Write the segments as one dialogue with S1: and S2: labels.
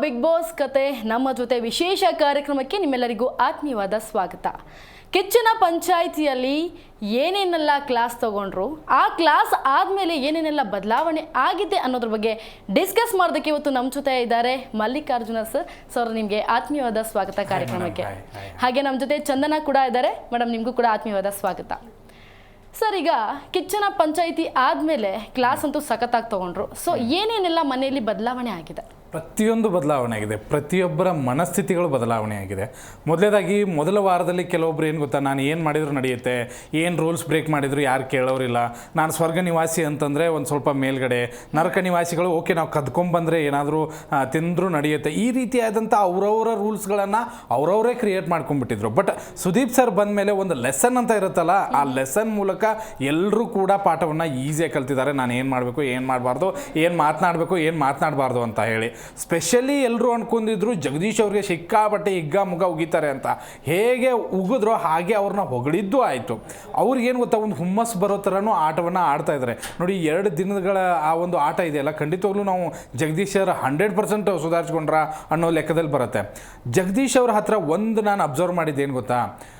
S1: Big boss ಕತೆ ನಮ್ಮ ಜೊತೆ ವಿಶೇಷ ಕಾರ್ಯಕ್ರಮಕ್ಕೆ ನಿಮ್ಮೆಲ್ಲರಿಗೂ ಆತ್ಮೀಯವಾದ ಸ್ವಾಗತ. ಕಿಚ್ಚನ ಪಂಚಾಯಿತಿಯಲ್ಲಿ ಏನೇನೆಲ್ಲ ಕ್ಲಾಸ್ ತಗೊಂಡ್ರು, ಆ ಕ್ಲಾಸ್ ಆದಮೇಲೆ ಏನೇನೆಲ್ಲ ಬದಲಾವಣೆ ಆಗಿದೆ ಅನ್ನೋದ್ರ ಬಗ್ಗೆ ಡಿಸ್ಕಸ್ ಮಾಡೋದಕ್ಕೆ ಇವತ್ತು ನಮ್ಮ ಜೊತೆ ಇದ್ದಾರೆ ಮಲ್ಲಿಕಾರ್ಜುನ ಸರ್. ನಿಮಗೆ ಆತ್ಮೀಯವಾದ ಸ್ವಾಗತ ಕಾರ್ಯಕ್ರಮಕ್ಕೆ. ಹಾಗೆ ನಮ್ಮ ಜೊತೆ ಚಂದನ ಕೂಡ ಇದ್ದಾರೆ. ಮೇಡಮ್, ನಿಮಗೂ ಕೂಡ ಆತ್ಮೀಯವಾದ ಸ್ವಾಗತ. ಸರ್, ಈಗ ಕಿಚ್ಚನ ಪಂಚಾಯಿತಿ ಆದಮೇಲೆ ಕ್ಲಾಸ್ ಅಂತೂ ಸಖತ್ತಾಗಿ ತೊಗೊಂಡ್ರು. ಸೊ ಏನೇನೆಲ್ಲ ಮನೆಯಲ್ಲಿ ಬದಲಾವಣೆ ಆಗಿದೆ?
S2: ಪ್ರತಿಯೊಂದು ಬದಲಾವಣೆ ಆಗಿದೆ. ಪ್ರತಿಯೊಬ್ಬರ ಮನಸ್ಥಿತಿಗಳು ಬದಲಾವಣೆ ಆಗಿದೆ. ಮೊದಲೇದಾಗಿ ಮೊದಲ ವಾರದಲ್ಲಿ ಕೆಲವೊಬ್ರು ಏನು ಗೊತ್ತಾ, ನಾನು ಏನು ಮಾಡಿದ್ರು ನಡೆಯುತ್ತೆ, ಏನು ರೂಲ್ಸ್ ಬ್ರೇಕ್ ಮಾಡಿದ್ರು ಯಾರು ಕೇಳೋರಿಲ್ಲ, ನಾನು ಸ್ವರ್ಗ ನಿವಾಸಿ ಅಂತಂದರೆ ಒಂದು ಸ್ವಲ್ಪ ಮೇಲ್ಗಡೆ, ನರಕ ನಿವಾಸಿಗಳು ಓಕೆ ನಾವು ಕದ್ಕೊಂಬಂದರೆ ಏನಾದರೂ ತಿಂದರೂ ನಡೆಯುತ್ತೆ, ಈ ರೀತಿಯಾದಂಥ ಅವರವರ ರೂಲ್ಸ್ಗಳನ್ನು ಅವರವರೇ ಕ್ರಿಯೇಟ್ ಮಾಡ್ಕೊಂಡ್ಬಿಟ್ಟಿದ್ರು. ಬಟ್ ಸುದೀಪ್ ಸರ್ ಬಂದ ಮೇಲೆ ಒಂದು ಲೆಸನ್ ಅಂತ ಇರುತ್ತಲ್ಲ, ಆ ಲೆಸನ್ ಮೂಲಕ ಎಲ್ಲರೂ ಕೂಡ ಪಾಠವನ್ನು ಈಸಿಯಾಗಿ ಕಲ್ತಿದ್ದಾರೆ. ನಾನು ಏನು ಮಾಡಬೇಕು, ಏನು ಮಾಡಬಾರ್ದು, ಏನು ಮಾತನಾಡಬೇಕು, ಏನು ಮಾತನಾಡಬಾರ್ದು ಅಂತ ಹೇಳಿ. ಸ್ಪೆಷಲಿ ಎಲ್ಲರೂ ಅನ್ಕೊಂಡಿದ್ರು ಜಗದೀಶ್ ಅವ್ರಿಗೆ ಸಿಕ್ಕಾಪಟ್ಟೆ ಹಿಗ್ಗ ಮುಗ ಉಗಿತಾರೆ ಅಂತ. ಹೇಗೆ ಉಗಿದ್ರೋ ಹಾಗೆ ಅವ್ರನ್ನ ಹೊಗಳಿದ್ದು ಆಯಿತು. ಅವ್ರಿಗೇನು ಗೊತ್ತಾ, ಒಂದು ಹುಮ್ಮಸ್ ಬರೋ ಥರನೂ ಆಟವನ್ನು ಆಡ್ತಾ ಇದ್ದಾರೆ ನೋಡಿ. 2 ದಿನಗಳ ಆ ಒಂದು ಆಟ ಇದೆಯಲ್ಲ, ಖಂಡಿತವಾಗ್ಲೂ ನಾವು ಜಗದೀಶ್ ಅವರು 100% ಸುಧಾರಿಸ್ಕೊಂಡ್ರ ಅನ್ನೋ ಲೆಕ್ಕದಲ್ಲಿ ಬರುತ್ತೆ. ಜಗದೀಶ್ ಅವ್ರ ಹತ್ರ ಒಂದು ನಾನು ಅಬ್ಸರ್ವ್ ಮಾಡಿದ್ದೇನು ಗೊತ್ತಾ,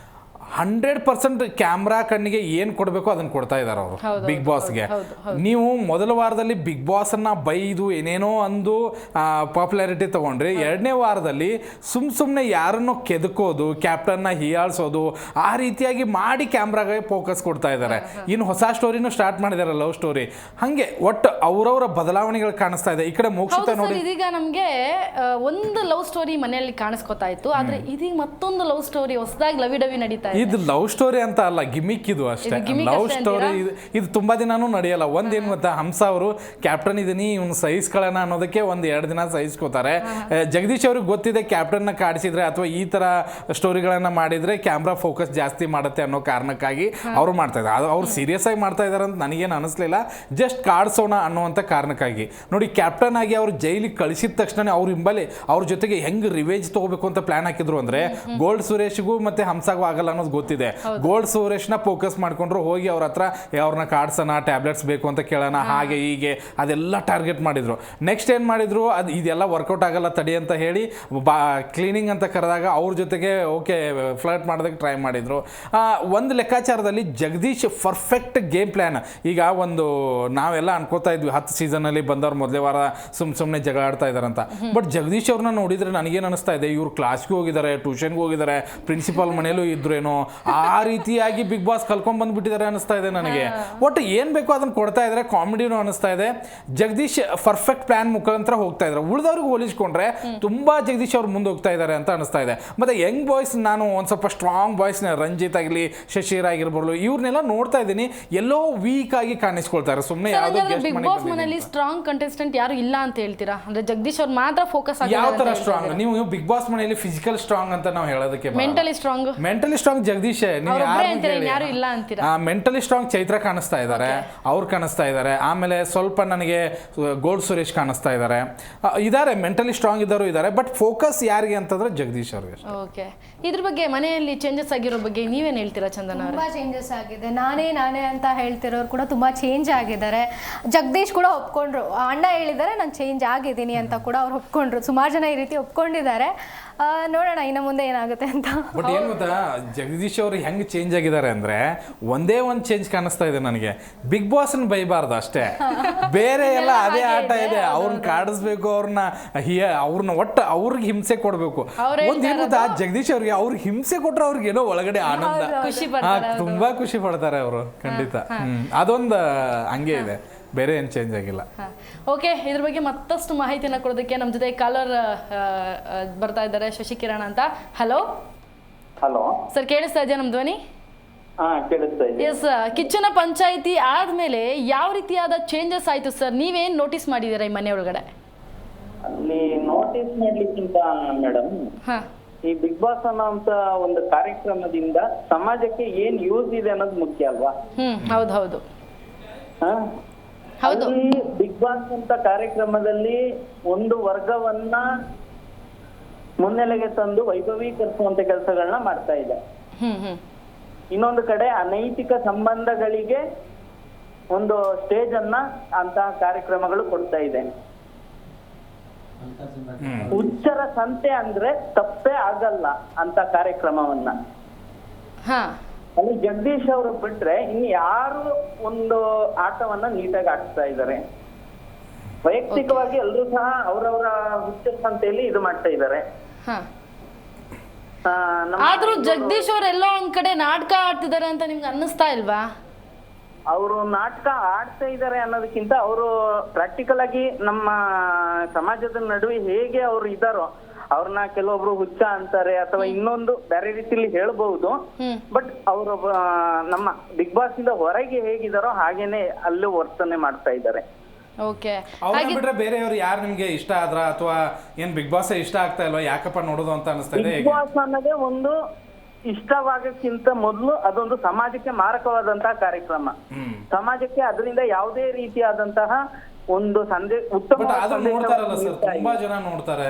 S2: 100% ಕ್ಯಾಮ್ರಾ ಕಣ್ಣಿಗೆ ಏನು ಕೊಡಬೇಕು ಅದನ್ನು ಕೊಡ್ತಾ ಇದ್ದಾರೆ ಅವರು ಬಿಗ್ ಬಾಸ್ಗೆ. ನೀವು ಮೊದಲ ವಾರದಲ್ಲಿ ಬಿಗ್ ಬಾಸನ್ನು ಬೈದು ಏನೇನೋ ಅಂದು ಪಾಪ್ಯುಲಾರಿಟಿ ತೊಗೊಂಡ್ರಿ. 2ನೇ ವಾರದಲ್ಲಿ ಸುಮ್ಮನೆ ಯಾರನ್ನೋ ಕೆದಕೋದು, ಕ್ಯಾಪ್ಟನ್ನ ಹೀಯಾಳಿಸೋದು, ಆ ರೀತಿಯಾಗಿ ಮಾಡಿ ಕ್ಯಾಮ್ರಾಗೆ ಫೋಕಸ್ ಕೊಡ್ತಾ ಇದ್ದಾರೆ. ಇನ್ನು ಹೊಸ ಸ್ಟೋರಿನೂ ಸ್ಟಾರ್ಟ್ ಮಾಡಿದ್ದಾರೆ, ಲವ್ ಸ್ಟೋರಿ. ಹಾಗೆ ಒಟ್ಟು ಅವರವರ ಬದಲಾವಣೆಗಳು ಕಾಣಿಸ್ತಾ ಇದೆ. ಈ ಕಡೆ ಮೋಕ್ಷಿತ ನೋಡಿ,
S1: ಇದೀಗ ನಮಗೆ ಒಂದು ಲವ್ ಸ್ಟೋರಿ ಮನೆಯಲ್ಲಿ ಕಾಣಿಸ್ಕೊತಾ ಇತ್ತು, ಆದ್ರೆ ಇದೀಗ ಮತ್ತೊಂದು ಲವ್ ಸ್ಟೋರಿ ಹೊಸದಾಗಿ ಲವಿ ಡವಿ ನಡೀತಾ ಇದೆ.
S2: ಇದು ಲವ್ ಸ್ಟೋರಿ ಅಂತ ಅಲ್ಲ, ಗಿಮಿಕ್ ಇದು ಅಷ್ಟೇ. ಲವ್ ಸ್ಟೋರಿ ಇದು ತುಂಬಾ ದಿನಾನೂ ನಡೆಯಲ್ಲ. ಒಂದೇನು ಗೊತ್ತಾ, ಹಂಸ ಅವರು ಕ್ಯಾಪ್ಟನ್ ಇದೀನಿ ಇವ್ನು ಸಹಿಸ್ಕೊಳ್ಳೋಣ ಅನ್ನೋದಕ್ಕೆ 1-2 ದಿನ ಸಹಿಸ್ಕೋತಾರೆ. ಜಗದೀಶ್ ಅವ್ರಿಗೆ ಗೊತ್ತಿದೆ ಕ್ಯಾಪ್ಟನ್ನ ಕಾಡಿಸಿದ್ರೆ ಅಥವಾ ಈ ತರ ಸ್ಟೋರಿಗಳನ್ನ ಮಾಡಿದ್ರೆ ಕ್ಯಾಮ್ರಾ ಫೋಕಸ್ ಜಾಸ್ತಿ ಮಾಡುತ್ತೆ ಅನ್ನೋ ಕಾರಣಕ್ಕಾಗಿ ಅವರು ಮಾಡ್ತಾ ಇದ್ದಾರೆ. ಅವ್ರು ಸೀರಿಯಸ್ ಆಗಿ ಮಾಡ್ತಾ ಇದಾರೆ ಅಂತ ನನಗೇನು ಅನಿಸ್ಲಿಲ್ಲ, ಜಸ್ಟ್ ಕಾಡ್ಸೋಣ ಅನ್ನುವಂಥ ಕಾರಣಕ್ಕಾಗಿ. ನೋಡಿ, ಕ್ಯಾಪ್ಟನ್ ಆಗಿ ಅವ್ರು ಜೈಲಿಗೆ ಕಳಿಸಿದ ತಕ್ಷಣ ಅವ್ರ ಹಿಂಬಲ್ಲಿ ಅವ್ರ ಜೊತೆಗೆ ಹೆಂಗ್ ರಿವೇಜ್ ತಗೋಬೇಕು ಅಂತ ಪ್ಲಾನ್ ಹಾಕಿದ್ರು ಅಂದ್ರೆ, ಗೋಲ್ಡ್ ಸುರೇಶ್ಗೂ ಮತ್ತೆ ಹಂಸಾಗೂ ಆಗಲ್ಲ ಅನ್ನೋದು ಗೊತ್ತಿದೆ. ಗೋಲ್ಡ್ ಸುರೇಶ್ನ ಫೋಕಸ್ ಮಾಡ್ಕೊಂಡ್ರು, ಹೋಗಿ ಅವ್ರ ಹತ್ರ ಅವ್ರನ್ನ ಕಾಡ್ಸೋಣ, ಟ್ಯಾಬ್ಲೆಟ್ಸ್ ಬೇಕು ಅಂತ ಕೇಳೋಣ, ಹಾಗೆ ಹೀಗೆ ಅದೆಲ್ಲ ಟಾರ್ಗೆಟ್ ಮಾಡಿದ್ರು. ನೆಕ್ಸ್ಟ್ ಏನು ಮಾಡಿದ್ರು, ಅದು ಇದೆಲ್ಲ ವರ್ಕೌಟ್ ಆಗಲ್ಲ ತಡಿ ಅಂತ ಹೇಳಿ ಕ್ಲೀನಿಂಗ್ ಅಂತ ಕರೆದಾಗ ಅವ್ರ ಜೊತೆಗೆ ಓಕೆ ಫ್ಲರ್ಟ್ ಮಾಡೋದಕ್ಕೆ ಟ್ರೈ ಮಾಡಿದ್ರು. ಒಂದು ಲೆಕ್ಕಾಚಾರದಲ್ಲಿ ಜಗದೀಶ್ ಪರ್ಫೆಕ್ಟ್ ಗೇಮ್ ಪ್ಲ್ಯಾನ್. ಈಗ ಒಂದು ನಾವೆಲ್ಲ ಅನ್ಕೋತಾ ಇದ್ವಿ 10 ಸೀಸನಲ್ಲಿ ಬಂದವ್ರು ಮೊದಲೇ ವಾರ ಸುಮ್ಮನೆ ಜಗಳ ಆಡ್ತಾ ಇದಾರಂತ. ಬಟ್ ಜಗದೀಶ್ ಅವ್ರನ್ನ ನೋಡಿದ್ರೆ ನನಗೇನು ಅನಿಸ್ತಾ ಇದೆ, ಇವ್ರು ಕ್ಲಾಸ್ಗೂ ಹೋಗಿದ್ದಾರೆ, ಟ್ಯೂಷನ್ಗೂ ಹೋಗಿದ್ದಾರೆ, ಪ್ರಿನ್ಸಿಪಾಲ್ ಮನೇಲೂ ಇದ್ರೇನೋ, ಆ ರೀತಿಯಾಗಿ ಬಿಗ್ ಬಾಸ್ ಕಲ್ಕೊಂಡ್ ಬಂದ್ಬಿಟ್ಟಿದ್ದಾರೆ ಅನಿಸ್ತಾ ಇದೆ ನನಗೆ. ಒಟ್ಟು ಏನ್ ಬೇಕೋ ಅದನ್ನ ಕೊಡ್ತಾ ಇದ್ದಾರೆ, ಕಾಮಿಡಿನೂ ಅನಿಸ್ತಾ ಇದೆ. ಜಗದೀಶ್ ಪರ್ಫೆಕ್ಟ್ ಪ್ಲಾನ್ ಮುಖಾಂತರ ಹೋಗ್ತಾ ಇದ್ದಾರೆ. ಉಳಿದವ್ರಿಗೆ ಹೋಲಿಸ್ಕೊಂಡ್ರೆ ತುಂಬಾ ಜಗದೀಶ್ ಅವ್ರು ಮುಂದೆ ಹೋಗ್ತಾ ಇದ್ದಾರೆ ಅಂತ ಅನಿಸ್ತಾ ಇದೆ. ಮತ್ತೆ ಯಂಗ್ ಬಾಯ್ಸ್, ನಾನು ಒಂದ್ ಸ್ವಲ್ಪ ಸ್ಟ್ರಾಂಗ್ ಬಾಯ್ಸ್, ರಂಜಿತ್ ಆಗಲಿ, ಶಶಿರ್ ಆಗಿರ್ಬೋದು, ಇವ್ರನ್ನೆಲ್ಲ ನೋಡ್ತಾ ಇದ್ದೀನಿ, ಎಲ್ಲೋ ವೀಕ್ ಆಗಿ ಕಾಣಿಸ್ಕೊಳ್ತಾರೆ. ಸುಮ್ಮನೆ
S1: ಬಿಗ್ ಬಾಸ್ ಮನೆಯಲ್ಲಿ ಸ್ಟ್ರಾಂಗ್ ಕಂಟೆಸ್ಟೆಂಟ್ ಯಾರು ಇಲ್ಲ ಅಂತ ಹೇಳ್ತೀರಾ? ಅಂದ್ರೆ ಜಗದೀಶ್ ಅವ್ರು ಮಾತ್ರ ಫೋಕಸ್ ಆಗಿ
S2: ಯಾವ ತರ ಸ್ಟ್ರಾಂಗ್? ನೀವು ಬಿಗ್ ಬಾಸ್ ಮನೆಯಲ್ಲಿ ಫಿಸಿಕಲ್ ಸ್ಟ್ರಾಂಗ್ ಅಂತ ನಾವು ಹೇಳೋದಕ್ಕೆ,
S1: ಮೆಂಟಲಿ ಸ್ಟ್ರಾಂಗ್
S2: ಜಗದೀಶ್.
S1: ಯಾರು ಇಲ್ಲ ಅಂತೀರಾ?
S2: ಮೆಂಟಲಿ ಸ್ಟ್ರಾಂಗ್ ಚೈತ್ರ ಕಾಣಿಸ್ತಾ ಇದ್ದಾರೆ, ಅವ್ರು ಕಾಣಿಸ್ತಾ ಇದ್ದಾರೆ. ಆಮೇಲೆ ಸ್ವಲ್ಪ ನನಗೆ ಗೋಲ್ಡ್ ಸುರೇಶ್ ಕಾಣಿಸ್ತಾ ಇದ್ದಾರೆ. ಮೆಂಟಲಿ ಸ್ಟ್ರಾಂಗ್ ಇದ್ದವರು ಇದ್ದಾರೆ. ಬಟ್ ಫೋಕಸ್ ಯಾರಿಗೆ ಅಂತಂದ್ರೆ ಜಗದೀಶ್ ಅವ್ರಿಗೆ.
S1: ಓಕೆ, ಇದ್ರ ಬಗ್ಗೆ ಮನೆಯಲ್ಲಿ ಚೇಂಜಸ್ ಆಗಿರೋ ಬಗ್ಗೆ ನೀವೇನು ಹೇಳ್ತೀರಾ ಚಂದನ?
S3: ತುಂಬಾ ಚೇಂಜಸ್ ಆಗಿದೆ. ನಾನೇ ಅಂತ ಹೇಳ್ತಿರೋರು ಕೂಡ ತುಂಬಾ ಚೇಂಜ್ ಆಗಿದ್ದಾರೆ. ಜಗದೀಶ್ ಕೂಡ ಒಪ್ಕೊಂಡ್ರು, ಅಣ್ಣ ಹೇಳಿದ್ದಾರೆ ನಾನು ಚೇಂಜ್ ಆಗಿದ್ದೀನಿ ಅಂತ ಕೂಡ ಅವ್ರು ಒಪ್ಕೊಂಡ್ರು. ಸುಮಾರು ಜನ ಈ ರೀತಿ ಒಪ್ಕೊಂಡಿದ್ದಾರೆ. ನೋಡೋಣ ಇನ್ನು ಮುಂದೆ ಏನಾಗುತ್ತೆ ಅಂತ.
S2: ಬಟ್ ಏನು ಗೊತ್ತಾ, ಜಗದೀಶ್ ಅವರು ಹೆಂಗೆ ಚೇಂಜ್ ಆಗಿದ್ದಾರೆ ಅಂದ್ರೆ, ಒಂದೇ ಒಂದು ಚೇಂಜ್ ಕಾಣಿಸ್ತಾ ಇದೆ ನನಗೆ, ಬಿಗ್ ಬಾಸ್ ಬೈಬಾರ್ದು ಅಷ್ಟೇ, ಬೇರೆ ಎಲ್ಲ ಅದೇ ಆಟ ಇದೆ. ಅವ್ರನ್ನ ಕಾಡಿಸ್ಬೇಕು, ಅವ್ರನ್ನ ಒಟ್ಟು ಅವ್ರಿಗೆ ಹಿಂಸೆ ಕೊಡ್ಬೇಕು. ಒಂದೇನು ಗೊತ್ತಾ, ಜಗದೀಶ್ ಅವ್ರಿಗೆ ಹಿಂಸೆ ಕೊಟ್ರೆ ಅವ್ರಿಗೆ ಏನೋ ಒಳಗಡೆ ಆನಂದ, ತುಂಬಾ ಖುಷಿ ಪಡ್ತಾರೆ ಅವರು. ಖಂಡಿತ ಅದೊಂದು ಹಂಗೆ ಇದೆ, ಬೇರೆ ಏನು ಚೇಂಜ್ ಆಗಿಲ್ಲ.
S1: ಓಕೆ, ಇದ್ರ ಬಗ್ಗೆ ಮತ್ತಷ್ಟು ಮಾಹಿತಿಯನ್ನು ಕೊಡೋದಕ್ಕೆ ನಮ್ಮ ಜೊತೆ ಕಾಲರ್ ಬರ್ತಾ ಇದ್ದಾರೆ, ಶಶಿಕಿರಣ್ ಅಂತ. ಹಲೋ ಸರ್, ಕೇಳಿಸ್ತಾ ಇದೆಯಾ ನಮ್ಮ ಧ್ವನಿ? ಎಸ್, ಕಿಚ್ಚನ ಪಂಚಾಯಿತಿ ಆದ್ಮೇಲೆ ಯಾವ ರೀತಿಯಾದ ಚೇಂಜಸ್ ಆಯ್ತು ಸರ್? ನೀವೇನ್ ನೋಟಿಸ್ ಮಾಡಿದ್ದೀರಾ ಈ ಮನೆ ಒಳಗಡೆ?
S4: ಅಲ್ಲಿ ನೋಟಿಸ್ ಮಾಡ್ಲಿಕ್ಕಿಂತ ಮೇಡಮ್, ಈ ಬಿಗ್ ಬಾಸ್ ಅನ್ನೋಂತ ಒಂದು ಕಾರ್ಯಕ್ರಮದಿಂದ ಸಮಾಜಕ್ಕೆ ಏನ್ ಯೂಸ್ ಇದೆ ಅನ್ನೋದು ಮುಖ್ಯ ಅಲ್ವಾ?
S1: ಹೌದು.
S4: ಬಿಗ್ ಬಾಸ್ ಅಂತ ಕಾರ್ಯಕ್ರಮದಲ್ಲಿ ಒಂದು ವರ್ಗವನ್ನ ಮುನ್ನೆಲೆಗೆ ತಂದು ವೈಭವೀಕರಿಸುವಂತ ಕೆಲಸಗಳನ್ನ ಮಾಡ್ತಾ ಇದೆ. ಇನ್ನೊಂದು ಕಡೆ ಅನೈತಿಕ ಸಂಬಂಧಗಳಿಗೆ ಒಂದು ಸ್ಟೇಜ್ ಅನ್ನ ಅಂತಹ ಕಾರ್ಯಕ್ರಮಗಳು ಕೊಡ್ತಾ ಇದೆ. ಹುಚ್ಚರ ಸಂತೆ ಅಂದ್ರೆ ತಪ್ಪೇ ಆಗಲ್ಲ ಅಂತ ಕಾರ್ಯಕ್ರಮವನ್ನ
S1: ಹಾ
S4: ಅಲ್ಲಿ ಜಗದೀಶ್ ಅವರು ಬಿಟ್ರೆ ಇನ್ನು ಯಾರು ಒಂದು ಆಟವನ್ನ ನೀಟಾಗಿ ಆಡ್ತಾ ಇದ್ದಾರೆ. ವೈಯಕ್ತಿಕವಾಗಿ ಎಲ್ಲರೂ ಸಹ ಅವರವರ ಹುಚ್ಚರ ಸಂತೆಯಲ್ಲಿ ಇದು ಮಾಡ್ತಾ ಇದ್ದಾರೆ.
S1: ಹಾ ಆದ್ರೂ ಜಗದೀಶ್ ಅವ್ರು ಎಲ್ಲೋ ಒಂದ್ ಕಡೆ ನಾಟಕ ಆಡ್ತಿದ್ದಾರೆ ಅಂತ ನಿಮ್ಗೆ ಅನ್ನಿಸ್ತಾ ಇಲ್ವಾ?
S4: ಅವರು ನಾಟಕ ಆಡ್ತಾ ಇದ್ದಾರೆ ಅನ್ನೋದಕ್ಕಿಂತ ಅವರು ಪ್ರಾಕ್ಟಿಕಲ್ ಆಗಿ ನಮ್ಮ ಸಮಾಜದ ನಡುವೆ ಹೇಗೆ ಅವ್ರು ಇದ್ದಾರೋ ಅವ್ರನ್ನ ಕೆಲವೊಬ್ರು ಹುಚ್ಚ ಅಂತಾರೆ ಅಥವಾ ಇನ್ನೊಂದು ಬೇರೆ ರೀತಿಯಲ್ಲಿ ಹೇಳ್ಬಹುದು. ಬಟ್ ಅವರು ನಮ್ಮ ಬಿಗ್ ಬಾಸ್ ಇಂದ ಹೊರಗೆ ಹೇಗಿದಾರೋ ಹಾಗೇನೆ ಅಲ್ಲೂ ವರ್ತನೆ ಮಾಡ್ತಾ ಇದ್ದಾರೆ.
S1: ಓಕೆ
S2: ಅವ್ರನ್ನ ಬಿಟ್ರೆ ಬೇರೆಯವ್ರು ಯಾರು ನಿಮ್ಗೆ ಇಷ್ಟ ಆದ್ರ ಅಥವಾ ಏನ್ ಬಿಗ್ ಬಾಸ್ ಇಷ್ಟ ಆಗ್ತಾ ಇಲ್ವಾ, ಯಾಕಪ್ಪ ನೋಡೋದು ಅಂತ ಅನಿಸ್ತಾ ಇದೆ?
S4: ಬಿಗ್ ಬಾಸ್ ಅನ್ನೋದೇ ಒಂದು ಇಷ್ಟವಾಗಕ್ಕಿಂತ ಮೊದಲು ಅದೊಂದು ಸಮಾಜಕ್ಕೆ ಮಾರಕವಾದಂತಹ ಕಾರ್ಯಕ್ರಮ. ಸಮಾಜಕ್ಕೆ ಅದರಿಂದ ಯಾವುದೇ ರೀತಿಯಾದಂತಹ ಒಂದು ಉತ್ತಮ
S2: ನೋಡ್ತಾರಲ್ಲ ಸರ್, ತುಂಬಾ ಜನ ನೋಡ್ತಾರೆ.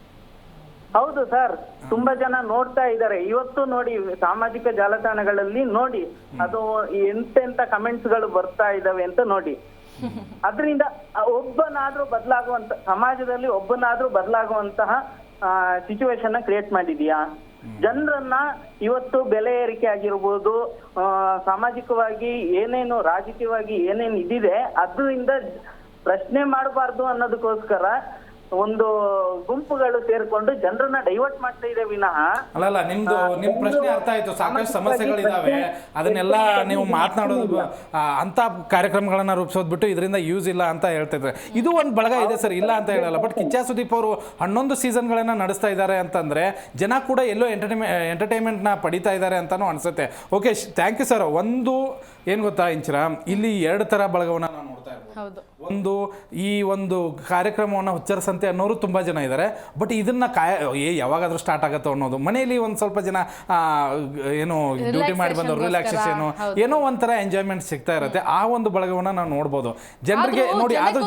S4: ಹೌದು ಸರ್, ತುಂಬಾ ಜನ ನೋಡ್ತಾ ಇದ್ದಾರೆ. ಇವತ್ತು ನೋಡಿ ಸಾಮಾಜಿಕ ಜಾಲತಾಣಗಳಲ್ಲಿ ನೋಡಿ ಅದು ಎಂತೆಂತ ಕಮೆಂಟ್ಸ್ ಗಳು ಬರ್ತಾ ಇದಾವೆ ಅಂತ ನೋಡಿ. ಅದರಿಂದ ಒಬ್ಬನಾದ್ರೂ ಬದಲಾಗುವಂತ ಸಮಾಜದಲ್ಲಿ ಒಬ್ಬನಾದ್ರೂ ಬದಲಾಗುವಂತಹ ಸಿಚುವೇಶನ್ ಕ್ರಿಯೇಟ್ ಮಾಡಿದೀಯಾ? ಜನರನ್ನ ಇವತ್ತು ಬೆಲೆ ಏರಿಕೆ ಆಗಿರ್ಬೋದು, ಸಾಮಾಜಿಕವಾಗಿ ಏನೇನು ರಾಜಕೀಯವಾಗಿ ಏನೇನು ಇದಿದೆ ಅದರಿಂದ ಪ್ರಶ್ನೆ ಮಾಡಬಾರ್ದು ಅನ್ನೋದಕ್ಕೋಸ್ಕರ ಒಂದು ಗುಂಪುಗಳು ಸೇರ್ಕೊಂಡು ಜನರನ್ನ ಡೈವರ್ಟ್ ಮಾಡ್ತಾ ಇದೆ ವಿನಃ.
S2: ಅಲ್ಲಲ್ಲ, ನಿಮ್ ಪ್ರಶ್ನೆ ಅರ್ಥ ಆಯ್ತು. ಸಾಕಷ್ಟು ಸಮಸ್ಯೆಗಳಿದಾವೆ, ಅದನ್ನೆಲ್ಲ ನೀವು ಮಾತನಾಡೋದು ಅಂತ ಕಾರ್ಯಕ್ರಮಗಳನ್ನ ರೂಪಿಸೋದ್ ಬಿಟ್ಟು ಇದರಿಂದ ಯೂಸ್ ಇಲ್ಲ ಅಂತ ಹೇಳ್ತಿದ್ರೆ ಇದು ಒಂದು ಬಳಗ ಇದೆ ಸರ್, ಇಲ್ಲ ಅಂತ ಹೇಳಲ್ಲ. ಬಟ್ ಕಿಚ್ಚ ಸುದೀಪ್ ಅವರು 11 ಸೀಸನ್ಗಳನ್ನ ನಡೆಸ್ತಾ ಇದ್ದಾರೆ ಅಂತಂದ್ರೆ ಜನ ಕೂಡ ಎಲ್ಲೋ ಎಂಟರ್ಟೈನ್ಮೆಂಟ್ನ ಪಡಿತಾ ಇದ್ದಾರೆ ಅಂತಾನು ಅನ್ಸುತ್ತೆ. Okay, thank you sir. ಒಂದು ಏನ್ ಗೊತ್ತಾ ಇಂಚಿರ, ಇಲ್ಲಿ 2 ತರ ಬಳಗವನ್ನ ನಾವು ನೋಡ್ತಾ ಇರ್ಬೋದು. ಒಂದು ಈ ಒಂದು ಕಾರ್ಯಕ್ರಮವನ್ನು ಹುಚ್ಚರ ಸಂತೆ ಅನ್ನೋರು ತುಂಬಾ ಜನ ಇದ್ದಾರೆ. ಬಟ್ ಇದನ್ನ ಯಾವಾಗಾದ್ರೂ ಸ್ಟಾರ್ಟ್ ಆಗತ್ತೋ ಅನ್ನೋದು, ಮನೆಯಲ್ಲಿ ಒಂದ್ ಸ್ವಲ್ಪ ಜನ ಏನೋ ಡ್ಯೂಟಿ ಮಾಡಿ ಬಂದವರು ರಿಲ್ಯಾಕ್ಸೇಷನ್ ಏನೋ ಒಂಥರ ಎಂಜಾಯ್ಮೆಂಟ್ ಸಿಗ್ತಾ ಇರುತ್ತೆ. ಆ ಒಂದು ಬಳಗವನ್ನ ನಾವು ನೋಡ್ಬೋದು ಜನರಿಗೆ ನೋಡಿ. ಆದ್ರೂ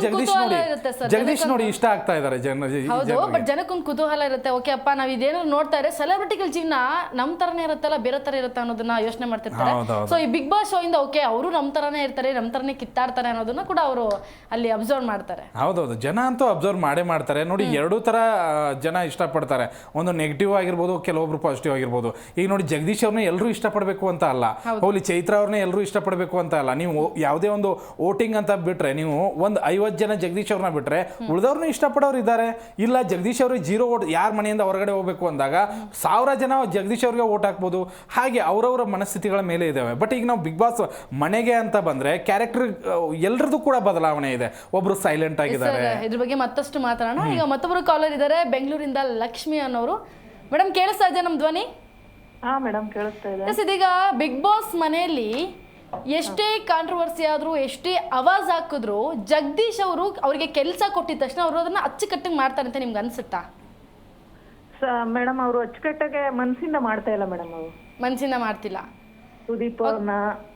S2: ಜಗದೀಶ್ ನೋಡಿ ಇಷ್ಟ ಆಗ್ತಾ ಇದ್ದಾರೆ
S1: ಬಟ್ ಜನಕ್ಕೊಂದು ಕುತೂಹಲ ಇರುತ್ತೆ. ಓಕೆ ಅಪ್ಪ, ನಾವ್ ಇದೇನೋ ನೋಡ್ತಾ ಇದ್ರೆ ಸೆಲೆಬ್ರಿಟಿಗಳ ಜೀವನ ನಮ್ ತರನೇ ಇರುತ್ತಲ್ಲ, ಬೇರೆ ತರ ಇರುತ್ತೆ ಅನ್ನೋದನ್ನ ಯೋಚನೆ ಮಾಡ್ತಿರ್ತಾರೆ. ಸೊ ಈ ಬಿಗ್ ಬಾಸ್ ಶೋ ಇಂದ ಓಕೆ ಅವರು ನಮ್ ತರನೇ ಇರ್ತಾರೆ, ನಮ್ ತರನೇ ಕಿತ್ತಾಡ್ತಾರೆ ಅನ್ನೋದನ್ನ ಕೂಡ ಅವರು ಅಲ್ಲಿ ಅಬ್ಸರ್ವ್ ಮಾಡ್ತಾರೆ.
S2: ಹೌದೌದು, ಜನ ಅಂತೂ ಅಬ್ಸರ್ವ್ ಮಾಡೇ ಮಾಡ್ತಾರೆ. ನೋಡಿ, 2 ತರ ಜನ ಇಷ್ಟಪಡ್ತಾರೆ. ಒಂದು ನೆಗೆಟಿವ್ ಆಗಿರ್ಬೋದು, ಕೆಲವೊಬ್ರು ಪಾಸಿಟಿವ್ ಆಗಿರ್ಬೋದು. ಈಗ ನೋಡಿ, ಜಗದೀಶ್ ಅವ್ರನ್ನ ಎಲ್ಲರೂ ಇಷ್ಟಪಡಬೇಕು ಅಂತ ಅಲ್ಲ, ಹೋಗ್ಲಿ ಚೈತ್ರ ಅವ್ರನ್ನ ಎಲ್ಲರೂ ಇಷ್ಟಪಡಬೇಕು ಅಂತ ಅಲ್ಲ. ನೀವು ಯಾವುದೇ ಒಂದು ವೋಟಿಂಗ್ ಅಂತ ಬಿಟ್ರೆ, ನೀವು ಒಂದು 50 ಜನ ಜಗದೀಶ್ ಅವ್ರನ್ನ ಬಿಟ್ರೆ ಉಳಿದವ್ರನ್ನ ಇಷ್ಟಪಡೋರು ಇದ್ದಾರೆ. ಇಲ್ಲ ಜಗದೀಶ್ ಅವ್ರಿಗೆ 0 ವೋಟ್, ಯಾರ ಮನೆಯಿಂದ ಹೊರಗಡೆ ಹೋಗ್ಬೇಕು ಅಂದಾಗ 1000 ಜನ ಜಗದೀಶ್ ಅವ್ರಿಗೆ ವೋಟ್ ಹಾಕ್ಬೋದು. ಹಾಗೆ ಅವರವರ ಮನಸ್ಥಿತಿಗಳ ಮೇಲೆ ಇದಾವೆ. ಬಟ್ ಈಗ ನಾವು ಬಿಗ್ ಬಾಸ್ ಮನೆಗೆ ಅಂತ ಬಂದ್ರೆ ಕ್ಯಾರೆಕ್ಟರ್ ಎಲ್ರದ್ದು ಕೂಡ ಬದಲಾವಣೆ ಇದೆ. ಒಬ್ರು ಸೈಲೆಂಟ್ ಆಗಿದ್ದಾರೆ.
S1: ಇದ್ರ ಬಗ್ಗೆ ಮತ್ತಷ್ಟು ಮಾತಾಡೋಣ. ಈಗ ಮತ್ತೊಬ್ರು ಕಾಲರ್ ಇದ್ದಾರೆ, ಬೆಂಗಳೂರಿಂದ ಲಕ್ಷ್ಮಿ ಅನ್ನೋರು. ಮೇಡಮ್ ಕೇಳಿಸ್ತಾ ಇದೆ ನಮ್ ಧ್ವನಿ?
S5: ಹಾ ಮೇಡಮ್, ಕೇಳಿಸ್ತಾ ಇದೆ.
S1: ಇದೀಗ ಬಿಗ್ ಬಾಸ್ ಮನೆಯಲ್ಲಿ ಎಷ್ಟೇ ಕಾಂಟ್ರವರ್ಸಿ ಆದ್ರೂ, ಎಷ್ಟೇ ಅವಾಜ್ ಹಾಕಿದ್ರು, ಜಗದೀಶ್ ಅವರು ಅವರಿಗೆ ಕೆಲಸ ಕೊಟ್ಟಿದ ತಕ್ಷಣ ಅವರು ಅದನ್ನ ಅಚ್ಚುಕಟ್ಟಾಗಿ ಮಾಡ್ತಾರೆ ಅಂತ ನಿಮ್ಗೆ ಅನ್ಸುತ್ತಾ?
S5: ಮೇಡಮ್, ಅವರು ಅಚ್ಚುಕಟ್ಟಾಗೆ ಮನಸ್ಸಿಂದ ಮಾಡ್ತಾ ಇಲ್ಲ ಮೇಡಮ್. ಅವರು
S1: ಮನಸ್ಸಿಂದ ಮಾಡ್ತಿಲ್ಲ.
S5: ಸುದೀಪ್ ಅವ್ರನ್ನ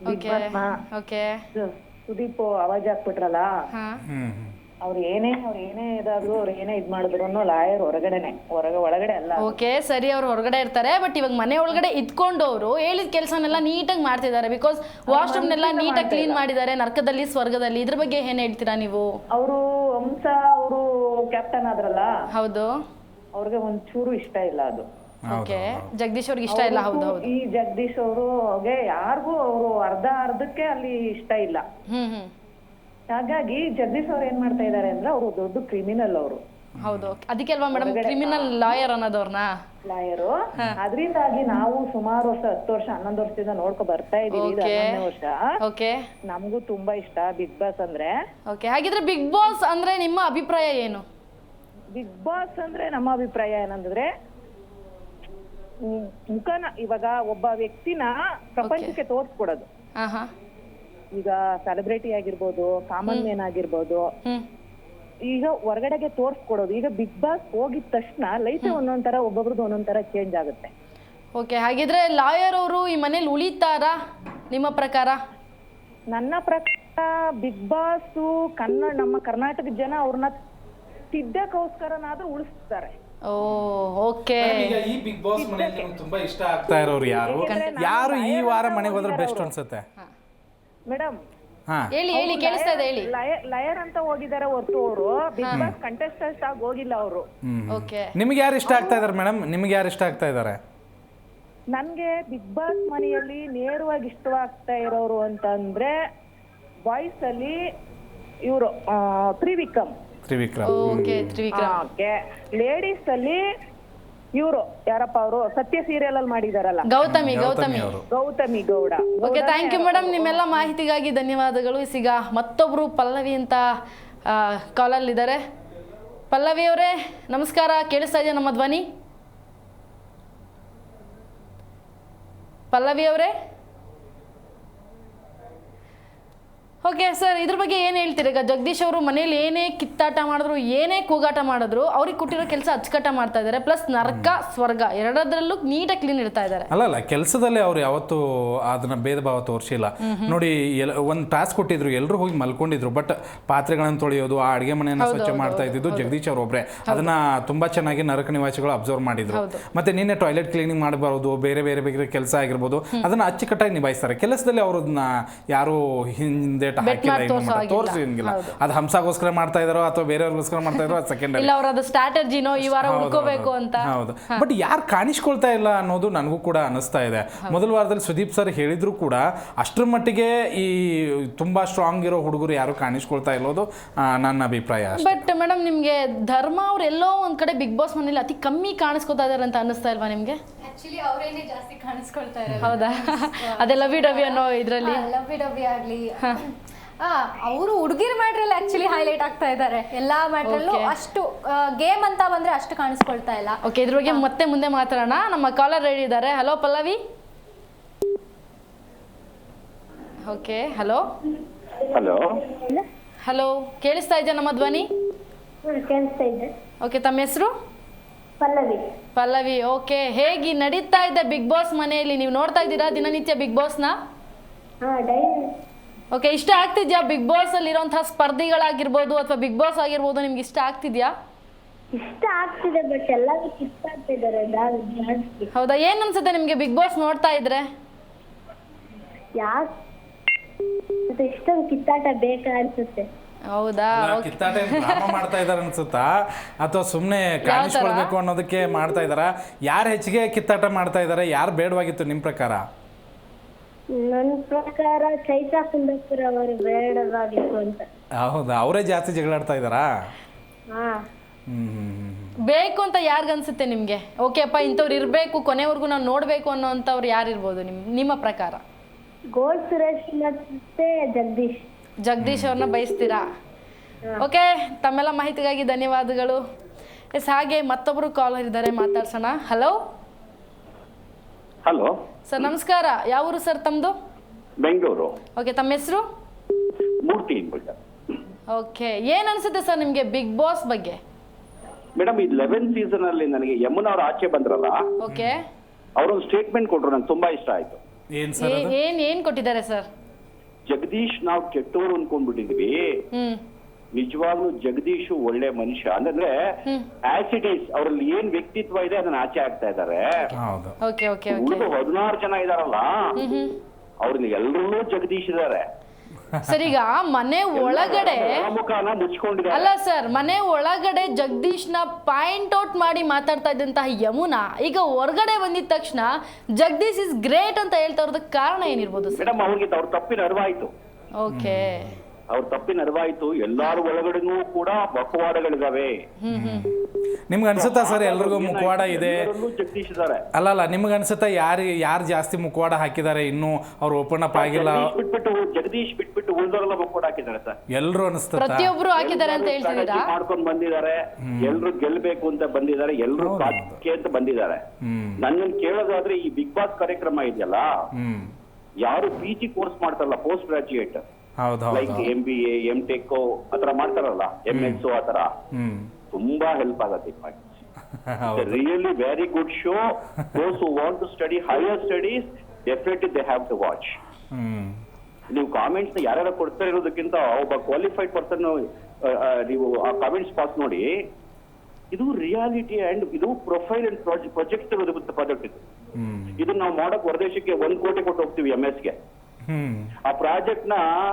S5: ಸುದೀಪ್ ಅವಾಜ್ ಹಾಕ್ಬಿಟ್ರಲ್ಲ, ಅವ್ರು ಏನೇ ಇದಾದ್ರು, ಅವ್ರು ಏನೇ ಇದ್ ಮಾಡಿದ್ರು ಲಾಯರ್ ಒಳಗಡೆ ಅಲ್ಲ.
S1: ಓಕೆ ಸರಿ, ಅವ್ರು ಹೊರಗಡೆ ಇರ್ತಾರೆ. ಬಟ್ ಇವಾಗ ಮನೆ ಒಳಗಡೆ ಇದ್ಕೊಂಡು ಅವರು ಹೇಳಿದ ಕೆಲಸನೆಲ್ಲ ನೀಟಾಗಿ ಮಾಡ್ತಿದ್ದಾರೆ. ಬಿಕಾಸ್ ವಾಶ್ರೂಮ್ನೆಲ್ಲ ನೀಟಾಗಿ ಕ್ಲೀನ್ ಮಾಡಿದ್ದಾರೆ, ನರ್ಕದಲ್ಲಿ ಸ್ವರ್ಗದಲ್ಲಿ. ಇದ್ರ ಬಗ್ಗೆ ಏನ್ ಹೇಳ್ತೀರಾ ನೀವು?
S5: ಅವರು ಹಂಸ ಅವರು ಕ್ಯಾಪ್ಟನ್ ಆದ್ರಲ್ಲ,
S1: ಹೌದು,
S5: ಅವ್ರಿಗೆ ಒಂಚೂರು ಇಷ್ಟ ಇಲ್ಲ ಅದು.
S1: ಓಕೆ, ಜಗದೀಶ್ ಅವ್ರಿಗೆ ಇಷ್ಟ ಇಲ್ಲ. ಹೌದು,
S5: ಈ ಜಗದೀಶ್ ಅವ್ರಿಗೆ ಯಾರಿಗೂ ಅವರು ಅರ್ಧಕ್ಕೆ ಅಲ್ಲಿ ಇಷ್ಟ ಇಲ್ಲ. ಹಾಗಾಗಿ ಜಗದೀಶ್ ಅವ್ರು ಏನ್ ಮಾಡ್ತಾ ಇದಾರೆ ಅಂದ್ರೆ, ಅವರು ದೊಡ್ಡ ಕ್ರಿಮಿನಲ್. ಅವರು
S1: ಹೌದು, ಅದಕ್ಕೆ ಅಲ್ವಾ ಮೇಡಮ್ ಕ್ರಿಮಿನಲ್ ಲಾಯರ್ ಅನ್ನೋದವ್ರನ್ನ
S5: ಲಾಯರು. ಅದರಿಂದಾಗಿ ನಾವು ಸುಮಾರು ವರ್ಷ 10 ವರ್ಷ 11 ವರ್ಷದಿಂದ ನೋಡ್ಕೊ ಬರ್ತಾ ಇದೀವಿ. 11ನೇ ವರ್ಷ.
S1: ಓಕೆ,
S5: ನಮಗೂ ತುಂಬಾ ಇಷ್ಟ ಬಿಗ್ ಬಾಸ್ ಅಂದ್ರೆ.
S1: ಓಕೆ, ಹಾಗಿದ್ರೆ ಬಿಗ್ ಬಾಸ್ ಅಂದ್ರೆ ನಿಮ್ಮ ಅಭಿಪ್ರಾಯ ಏನು?
S5: ಬಿಗ್ ಬಾಸ್ ಅಂದ್ರೆ ನಮ್ಮ ಅಭಿಪ್ರಾಯ ಏನಂದ್ರೆ, ಮುಖನ ಇವಾಗ ಒಬ್ಬ ವ್ಯಕ್ತಿನ ಪ್ರಪಂಚಕ್ಕೆ ತೋರ್ಸ್ಕೊಡೋದು. ಈಗ ಸೆಲೆಬ್ರಿಟಿ ಆಗಿರ್ಬೋದು, ಕಾಮನ್ ಮ್ಯಾನ್ ಆಗಿರ್ಬೋದು, ಈಗ ಹೊರಗಡೆಗೆ ತೋರ್ಸ್ಕೊಡೋದು. ಈಗ ಬಿಗ್ ಬಾಸ್ ಹೋಗಿದ ತಕ್ಷಣ ಲೈಫ್ ಒಂದೊಂದರ, ಒಬ್ಬೊಬ್ರದ್ದು ಒಂದೊಂದರ ಚೇಂಜ್ ಆಗುತ್ತೆ.
S1: ಓಕೆ, ಹಾಗಿದ್ರೆ ಲಾಯರ್ ಅವರು ಈ ಮನೇಲಿ ಉಳಿತಾರಾ ನಿಮ್ಮ ಪ್ರಕಾರ?
S5: ನನ್ನ ಪ್ರಕಾರ ಬಿಗ್ ಬಾಸ್ ನಮ್ಮ ಕರ್ನಾಟಕದ ಜನ ಅವ್ರನ್ನ ತಿದ್ದಕ್ಕೋಸ್ಕರನಾದ್ರೂ ಉಳಿಸ್ತಾರೆ.
S1: ಓಕೆ,
S2: ಈ ಬಿಗ್ ಬಾಸ್ ಮನೆಯಲ್ಲಿ ತುಂಬಾ ಇಷ್ಟ ಆಗ್ತಾ ಇರೋರು ಯಾರು ಈ ವಾರ ಮನೆಗೆ ಹೋದ್ರೆ ಬೆಸ್ಟ್ ಅನ್ಸುತ್ತೆ
S5: ಮೇಡಮ್?
S2: ಹಾ
S1: ಹೇಳಿ ಕೇಳಿಸ್ತಾ ಇದೆ ಹೇಳಿ.
S5: ಲಯರ್ ಅಂತ ಹೋಗಿದ್ದಾರೆ ಹೊರತು ಅವರು ಬಿಗ್ ಬಾಸ್ ಕಂಟೆಸ್ಟೆಂಟ್ ಆಗಿ ಹೋಗಿಲ್ಲ ಅವರು.
S1: ಓಕೆ,
S2: ನಿಮ್ಗೆ ಯಾರು ಇಷ್ಟ ಆಗ್ತಾ ಇದಾರೆ ಮೇಡಮ್? ನಿಮ್ಗೆ ಯಾರು ಇಷ್ಟ ಆಗ್ತಾ ಇದ್ದಾರೆ?
S5: ನನ್ಗೆ ಬಿಗ್ ಬಾಸ್ ಮನೆಯಲ್ಲಿ ನೇರವಾಗಿ ಇಷ್ಟವಾಗ್ತಾ ಇರೋರು ಅಂತಂದ್ರೆ ಬಾಯ್ಸ್ ಅಲ್ಲಿ ಇವರು Trivikram.
S1: Okay, Trivikram.
S5: Okay, ladies ಅಲ್ಲಿ ಇವರು ಯಾರಪ್ಪ ಅವರು ಸತ್ಯ ಸೀರಿಯಲ್ ಅಲ್ಲಿ ಮಾಡಿದಾರಲ್ಲ,
S1: ಗೌತಮಿ
S2: ಅವರು.
S5: Gautami Gowda.
S1: Okay, thank you madam, ನಿಮ್ಮೆಲ್ಲ ಮಾಹಿತಿಗಾಗಿ ಧನ್ಯವಾದಗಳು. ಈಗ ಮತ್ತೊಬ್ರು ಪಲ್ಲವಿ ಅಂತ ಕಾಲಲ್ಲಿ ಇದ್ದಾರೆ. ಪಲ್ಲವಿ ಅವರೇ ನಮಸ್ಕಾರ, ಕೇಳಿಸ್ತಾ ಇದೆಯಾ ನಮ್ಮ ಧ್ವನಿ? ಪಲ್ಲವಿ ಅವರೇ, ಓಕೆ ಸರ್, ಇದ್ರ ಬಗ್ಗೆ ಏನು ಹೇಳ್ತೀರಿ? ಈಗ ಜಗದೀಶ್ ಅವರು ಮನೇಲಿ ಏನೇ ಕಿತ್ತಾಟ ಮಾಡಿದ್ರು, ಏನೇ ಕೂಗಾಟ ಮಾಡಿದ್ರು, ಅವ್ರಿಗೆ ಕೊಟ್ಟಿರೋ ಕೆಲಸ ಅಚ್ಚುಕಟ್ಟ ಮಾಡ್ತಾ ಇದ್ದಾರೆ. ಪ್ಲಸ್ ನರಕ ಸ್ವರ್ಗ ಎರಡರಲ್ಲೂ ನೀಟಾಗಿ ಕ್ಲೀನ್ ಇಡ್ತಾ ಇದ್ದಾರೆ.
S2: ಅಲ್ಲ ಕೆಲಸದಲ್ಲೇ ಅವ್ರು ಯಾವತ್ತೂ ಅದನ್ನ ಭೇದ ಭಾವ ತೋರಿಸಿಲ್ಲ ನೋಡಿ. ಒಂದು ಟಾಸ್ಕ್ ಕೊಟ್ಟಿದ್ರು, ಎಲ್ಲರೂ ಹೋಗಿ ಮಲ್ಕೊಂಡಿದ್ರು, ಬಟ್ ಪಾತ್ರೆಗಳನ್ನು ತೊಳೆಯೋದು, ಆ ಅಡುಗೆ ಮನೆಯನ್ನು ಸ್ವಚ್ಛ ಮಾಡ್ತಾ ಇದ್ದಿದ್ದು ಜಗದೀಶ್ ಅವ್ರು ಒಬ್ಬರೇ. ಅದನ್ನ ತುಂಬಾ ಚೆನ್ನಾಗಿ ನರಕ ನಿವಾಸಿಗಳು ಅಬ್ಸರ್ವ್ ಮಾಡಿದ್ರು. ಮತ್ತೆ ನಿನ್ನೆ ಟಾಯ್ಲೆಟ್ ಕ್ಲೀನಿಂಗ್ ಮಾಡಬಾರದು, ಬೇರೆ ಬೇರೆ ಬೇರೆ ಕೆಲಸ ಆಗಿರ್ಬೋದು, ಅದನ್ನ ಅಚ್ಚುಕಟ್ಟಾಗಿ ನಿಭಾಯಿಸ್ತಾರೆ. ಕೆಲಸದಲ್ಲಿ ಅವ್ರನ್ನ ಯಾರು ಹಿಂದೆ ತೋರಿಸಿಲ್ಲ. ಅದು ಹಂಸಾಗೋಸ್ಕರ ಮಾಡ್ತಾ ಇದಾರೋ ಅಥವಾ ಬೇರೆಯವ್ರಿಗೋಸ್ಕರ ಮಾಡ್ತಾ ಇದಾರೋ ಅದು ಸೆಕೆಂಡರಿ.
S1: ಇಲ್ಲ, ಅವರದು ಸ್ಟ್ರಾಟಜಿನೋ ಈ ವಾರ ಉಳ್ಕೋಬೇಕು ಅಂತ.
S2: ಹೌದು, ಬಟ್ ಯಾರು ಕಾಣಿಸ್ಕೊಳ್ತಾ ಇಲ್ಲ ಅನ್ನೋದು ನನಗೂ ಕೂಡ ಅನಿಸ್ತಾ ಇದೆ. ಮೊದಲ ವಾರದಲ್ಲಿ ಸುದೀಪ್ ಸರ್ ಹೇಳಿದ್ರು ಕೂಡ ಅಷ್ಟರ ಮಟ್ಟಿಗೆ ಈ ತುಂಬಾ ಸ್ಟ್ರಾಂಗ್ ಇರೋ ಹುಡುಗರು ಯಾರು ಕಾಣಿಸ್ಕೊಳ್ತಾ ಇರೋದು ನನ್ನ ಅಭಿಪ್ರಾಯ.
S1: ಬಟ್ ಮೇಡಮ್, ನಿಮ್ಗೆ ಧರ್ಮ ಅವ್ರು ಎಲ್ಲೋ ಒಂದ್ ಕಡೆ ಬಿಗ್ ಬಾಸ್ ಮನೇಲಿ ಅತಿ ಕಮ್ಮಿ ಕಾಣಿಸ್ಕೊತಾ ಇದಾರೆ ಅಂತ ಅನಿಸ್ತಾ ಇಲ್ವಾ ನಿಮ್ಗೆ?
S3: ಆಕ್ಚುಲಿ ಅವರೇನೆ ಜಾಸ್ತಿ ಕಾಣಿಸ್ಕೊಳ್ತಾ ಇರೋದು.
S1: ಹೌದಾ? ಅದೇ ಲವ್ ಡವಿ ಅನ್ನೋ ಇದ್ರಲ್ಲಿ
S3: ಲವ್ ಆಗ್ಲಿ, ಅವರು ಹುಡುಗಿರ್ ಮ್ಯಾಟ್ರಲ್ಲಿ ಆಕ್ಚುಲಿ ಹೈಲೈಟ್ ಆಗ್ತಾ ಇದ್ದಾರೆ. ಎಲ್ಲಾ ಮ್ಯಾಟ್ರಲ್ಲೂ ಅಷ್ಟು ಗೇಮ್ ಅಂತ ಬಂದ್ರೆ ಅಷ್ಟು ಕಾಣಿಸ್ಕೊಳ್ತಾ ಇಲ್ಲ.
S1: ಓಕೆ, ಇದ್ರ ಬಗ್ಗೆ ಮತ್ತೆ ಮುಂದೆ ಮಾತಾಡೋಣ. ನಮ್ಮ ಕಾಲರ್ ರೆಡಿ ಇದ್ದಾರೆ. Hello Pallavi. Okay, hello hello, ಕೇಳಿಸ್ತಾ ಇದೆಯಾ ನಮ್ಮ ಧ್ವನಿ? ಓಕೆ, ತಮ್ಮ ಹೆಸರು? ಪಲ್ಲವಿ. ಓಕೆ, ಹೇಗೆ ನಡೀತಾ ಇದೆ ಬಿಗ್ ಬಾಸ್ ಮನೆಯಲ್ಲಿ? ನೀವು ನೋಡ್ತಾ ಇದ್ದೀರಾ ದಿನನಿತ್ಯ ಬಿಗ್ ಬಾಸ್ನ? ಓಕೆ, ಇಷ್ಟ ಆಗ್ತಿದ್ಯಾ ಬಿಗ್ ಬಾಸ್ ಅಲ್ಲಿ ಇರುವಂತಹ ಸ್ಪರ್ಧಿಗಳಾಗಿರ್ಬೋದು ಅಥವಾ ಬಿಗ್ ಬಾಸ್ ಆಗಿರ್ಬೋದು, ನಿಮ್ಗೆ ಇಷ್ಟ ಆಗ್ತಿದ್ಯಾ?
S6: ಇಷ್ಟ ಆಗ್ತಿದೆ, ಬಟ್ ಎಲ್ಲರೂ ಕಿತ್ತಾಡ್ತಿದ್ದಾರೆ ಜಾಸ್ತಿ.
S1: ಹೌದಾ? ಏನ್ ಅನ್ಸುತ್ತೆ ನಿಮ್ಗೆ ಬಿಗ್ ಬಾಸ್ ನೋಡ್ತಾ ಇದ್ರೆ?
S6: ಯಾಕೆ ಇಷ್ಟೊಂದು ಕಿತ್ತಾಟ ಬೇಕಾ ಅನ್ಸುತ್ತೆ.
S1: ಹೌದಾ?
S2: ಕಿತ್ತಾಟ ಡ್ರಾಮಾ ಮಾಡ್ತಾ ಇದಾರೆ ಅನ್ಸುತ್ತಾ ಅಥವಾ ಸುಮ್ಮನೆ ಕಾಣಿಸ್ಕೊಳ್ಬೇಕು ಅನ್ನೋದಕ್ಕೆ ಮಾಡ್ತಾ ಇದಾರ? ಯಾರು ಹೆಚ್ಚಿಗೆ ಕಿತ್ತಾಟ ಮಾಡ್ತಾ ಇದಾರೆ, ಯಾರು ಬೇಡವಾಗಿತ್ತು ನಿಮ್ ಪ್ರಕಾರ?
S6: ನನ್ನ ಪ್ರಕಾರ ಚೈತಾ ಕುಂದಾಪುರ ಅವರು ಬೇಡವಾಗಿತ್ತು ಅಂತ.
S2: ಹೌದಾ? ಅವರೇ ಜಾಸ್ತಿ ಜಗಳಾಡ್ತಾ ಇದಾರಾ?
S6: ಹಾ,
S1: ಬೇಕು ಅಂತ ಯಾರಿಗನ್ಸುತ್ತೆ ನಿಮ್ಗೆ? ಓಕೆ ಅಪ್ಪ, ಇಂಥವ್ರು ಇರಬೇಕು, ಕೊನೆವರೆಗೂ ನಾವು ನೋಡಬೇಕು ಅನ್ನೋಂಥವ್ರು ಯಾರು ಇರ್ಬೋದು ನಿಮ್ಮ ಪ್ರಕಾರ?
S6: ಗೋಲ್ಡ್ ಸುರೇಶ್ ಮತ್ತೆ
S1: ಜಗದೀಶ್ ಅವ್ರನ್ನ ಬಯಸ್ತೀರಾ? ಓಕೆ, ತಮ್ಮೆಲ್ಲ ಮಾಹಿತಿಗಾಗಿ ಧನ್ಯವಾದಗಳು. ಎಸ್, ಹಾಗೆ ಮತ್ತೊಬ್ರು ಕಾಲರ್ ಇದ್ದಾರೆ, ಮಾತಾಡ್ಸೋಣ. ಹಲೋ
S7: ಹಲೋ
S1: ಸರ್, ನಮಸ್ಕಾರ. ಯಾವ ಊರು ಸರ್ ತಮ್ಮದು?
S7: ಬೆಂಗಳೂರು.
S1: ಓಕೆ, ತಮ್ಮ ಹೆಸರು?
S7: ಮೂರ್ತಿ.
S1: ಓಕೆ, ಏನ್ ಅನ್ಸುತ್ತೆ ಸರ್ ನಿಮ್ಗೆ ಬಿಗ್ ಬಾಸ್ ಬಗ್ಗೆ?
S7: ಮೇಡಮ್, ಈ 11th ಸೀಸನ್ ಅಲ್ಲಿ ನನಗೆ ಯಮುನಾ ಅವ್ರು ಆಚೆ ಬಂದ್ರಲ್ಲ,
S1: ಓಕೆ,
S7: ಅವರೊಂದು ಸ್ಟೇಟ್ಮೆಂಟ್ ಕೊಟ್ರು, ನಂಗೆ ತುಂಬಾ ಇಷ್ಟ ಆಯ್ತು.
S1: ಏನ್ ಕೊಟ್ಟಿದ್ದಾರೆ ಸರ್?
S7: ಜಗದೀಶ್ ನಾವು ಕೆಟ್ಟವರು ಅನ್ಕೊಂಡ್ಬಿಟ್ಟಿದ್ವಿ, ನಿಜವಾಗ್ಲೂ ಜಗದೀಶ್ ಒಳ್ಳೆ ಮನುಷ್ಯ ಅಂದ್ರೆ ಆಸ್ ಇಟ್ ಈಸ್ ಅವರಲ್ಲಿ ಏನ್ ವ್ಯಕ್ತಿತ್ವ ಇದೆ ಅದನ್ನ ಆಚೆ ಆಗ್ತಾ ಇದ್ದಾರೆ.
S1: ಓಕೆ ಓಕೆ
S7: ಉಳಿದು 16 ಜನ ಇದಾರಲ್ಲ, ಅವ್ರನ್ನ ಎಲ್ಲರೂ ಜಗದೀಶ್ ಇದಾರೆ.
S1: ಸರ್, ಈಗ ಮನೆ ಒಳಗಡೆ ಅಲ್ಲ ಸರ್, ಮನೆ ಒಳಗಡೆ ಜಗದೀಶ್ನ ಪಾಯಿಂಟ್ ಔಟ್ ಮಾಡಿ ಮಾತಾಡ್ತಾ ಇದ್ದಂತಹ ಯಮುನಾ ಈಗ ಹೊರಗಡೆ ಬಂದಿದ ತಕ್ಷಣ ಜಗದೀಶ್ ಇಸ್ ಗ್ರೇಟ್ ಅಂತ ಹೇಳ್ತಾ ಇರೋದಕ್ಕೆ ಕಾರಣ ಏನಿರ್ಬೋದು ಸರ್?
S7: ಮೇಡಮ್, ಅವ್ರಿಗೆ ಅವ್ರ ತಪ್ಪಿನ ಅರಿವಾಯ್ತು.
S1: ಓಕೆ,
S7: ಅವ್ರ ತಪ್ಪಿನ ಅರಿವಾಯ್ತು. ಎಲ್ಲಾರು ಒಳಗಡೆನೂ ಕೂಡ ಮುಖವಾಡಗಳಿದಾವೆ.
S2: ನಿಮ್ಗೆ ಅನ್ಸುತ್ತಾ ಸರ್ ಎಲ್ರಿಗೂ ಮುಖವಾಡ ಇದೆ?
S7: ಜಗದೀಶ್ ಇದಾರೆ.
S2: ಅಲ್ಲ, ನಿಮ್ಗೆ ಅನ್ಸುತ್ತಾ ಯಾರು ಜಾಸ್ತಿ ಮುಖವಾಡ ಹಾಕಿದ್ದಾರೆ ಇನ್ನೂ ಅವ್ರು ಓಪನ್ ಅಪ್ ಆಗಿಲ್ಲ?
S7: ಜಗದೀಶ್ ಬಿಟ್ಬಿಟ್ಟು ಉಳಿದವರೆಲ್ಲ ಮುಖವಾಡ ಹಾಕಿದ್ದಾರೆ ಸರ್.
S2: ಎಲ್ರು ಅನಿಸ್ತದೆ
S1: ಪ್ರತಿಯೊಬ್ರು ಹಾಕಿದ್ದಾರೆ ಅಂತ ಹೇಳ್ತಿದ್ದೀರಾ?
S7: ಮಾಡ್ಕೊಂಡು ಬಂದಿದ್ದಾರೆ, ಎಲ್ರು ಗೆಲ್ಬೇಕು ಅಂತ ಬಂದಿದ್ದಾರೆ, ಎಲ್ರು ಅಂತ ಬಂದಿದ್ದಾರೆ. ನನ್ನನ್ನು ಕೇಳೋದಾದ್ರೆ ಈ ಬಿಗ್ ಬಾಸ್ ಕಾರ್ಯಕ್ರಮ ಇದೆಯಲ್ಲ, ಯಾರು PG ಕೋರ್ಸ್ ಮಾಡ್ತಾರಲ್ಲ, post graduate like MBA, MTech ಆತರ ಮಾಡ್ತಾರಲ್ಲ, MS ಆತರ, ತುಂಬಾ ಹೆಲ್ಪ್ ಆಗತ್ತೆ. Really very good show. Those who want to study higher studies definitely they have to watch. ನೀವು ಕಾಮೆಂಟ್ಸ್ ಯಾರ್ಯಾರು ಕೊಡ್ತಾ ಇರೋದಕ್ಕಿಂತ ಒಬ್ಬ ಕ್ವಾಲಿಫೈಡ್ ಪರ್ಸನ್ ನೀವು ಆ ಕಾಮೆಂಟ್ಸ್ ಪಾಸ್ ನೋಡಿ. ಇದು ರಿಯಾಲಿಟಿ ಅಂಡ್ ಇದು ಪ್ರೊಫೈಲ್ ಅಂಡ್ ಪ್ರಾಜೆಕ್ಟ್ ಪ್ರಾಜೆಕ್ಟ್ ಇದು. ಇದನ್ನ ನಾವು ಮಾಡಕ್ ಹೊರದೇಶಕ್ಕೆ 1 ಕೋಟಿ ಕೊಟ್ಟು ಹೋಗ್ತೀವಿ MS ಗೆ. ಆ ಪ್ರಾಜೆಕ್ಟ್ ನ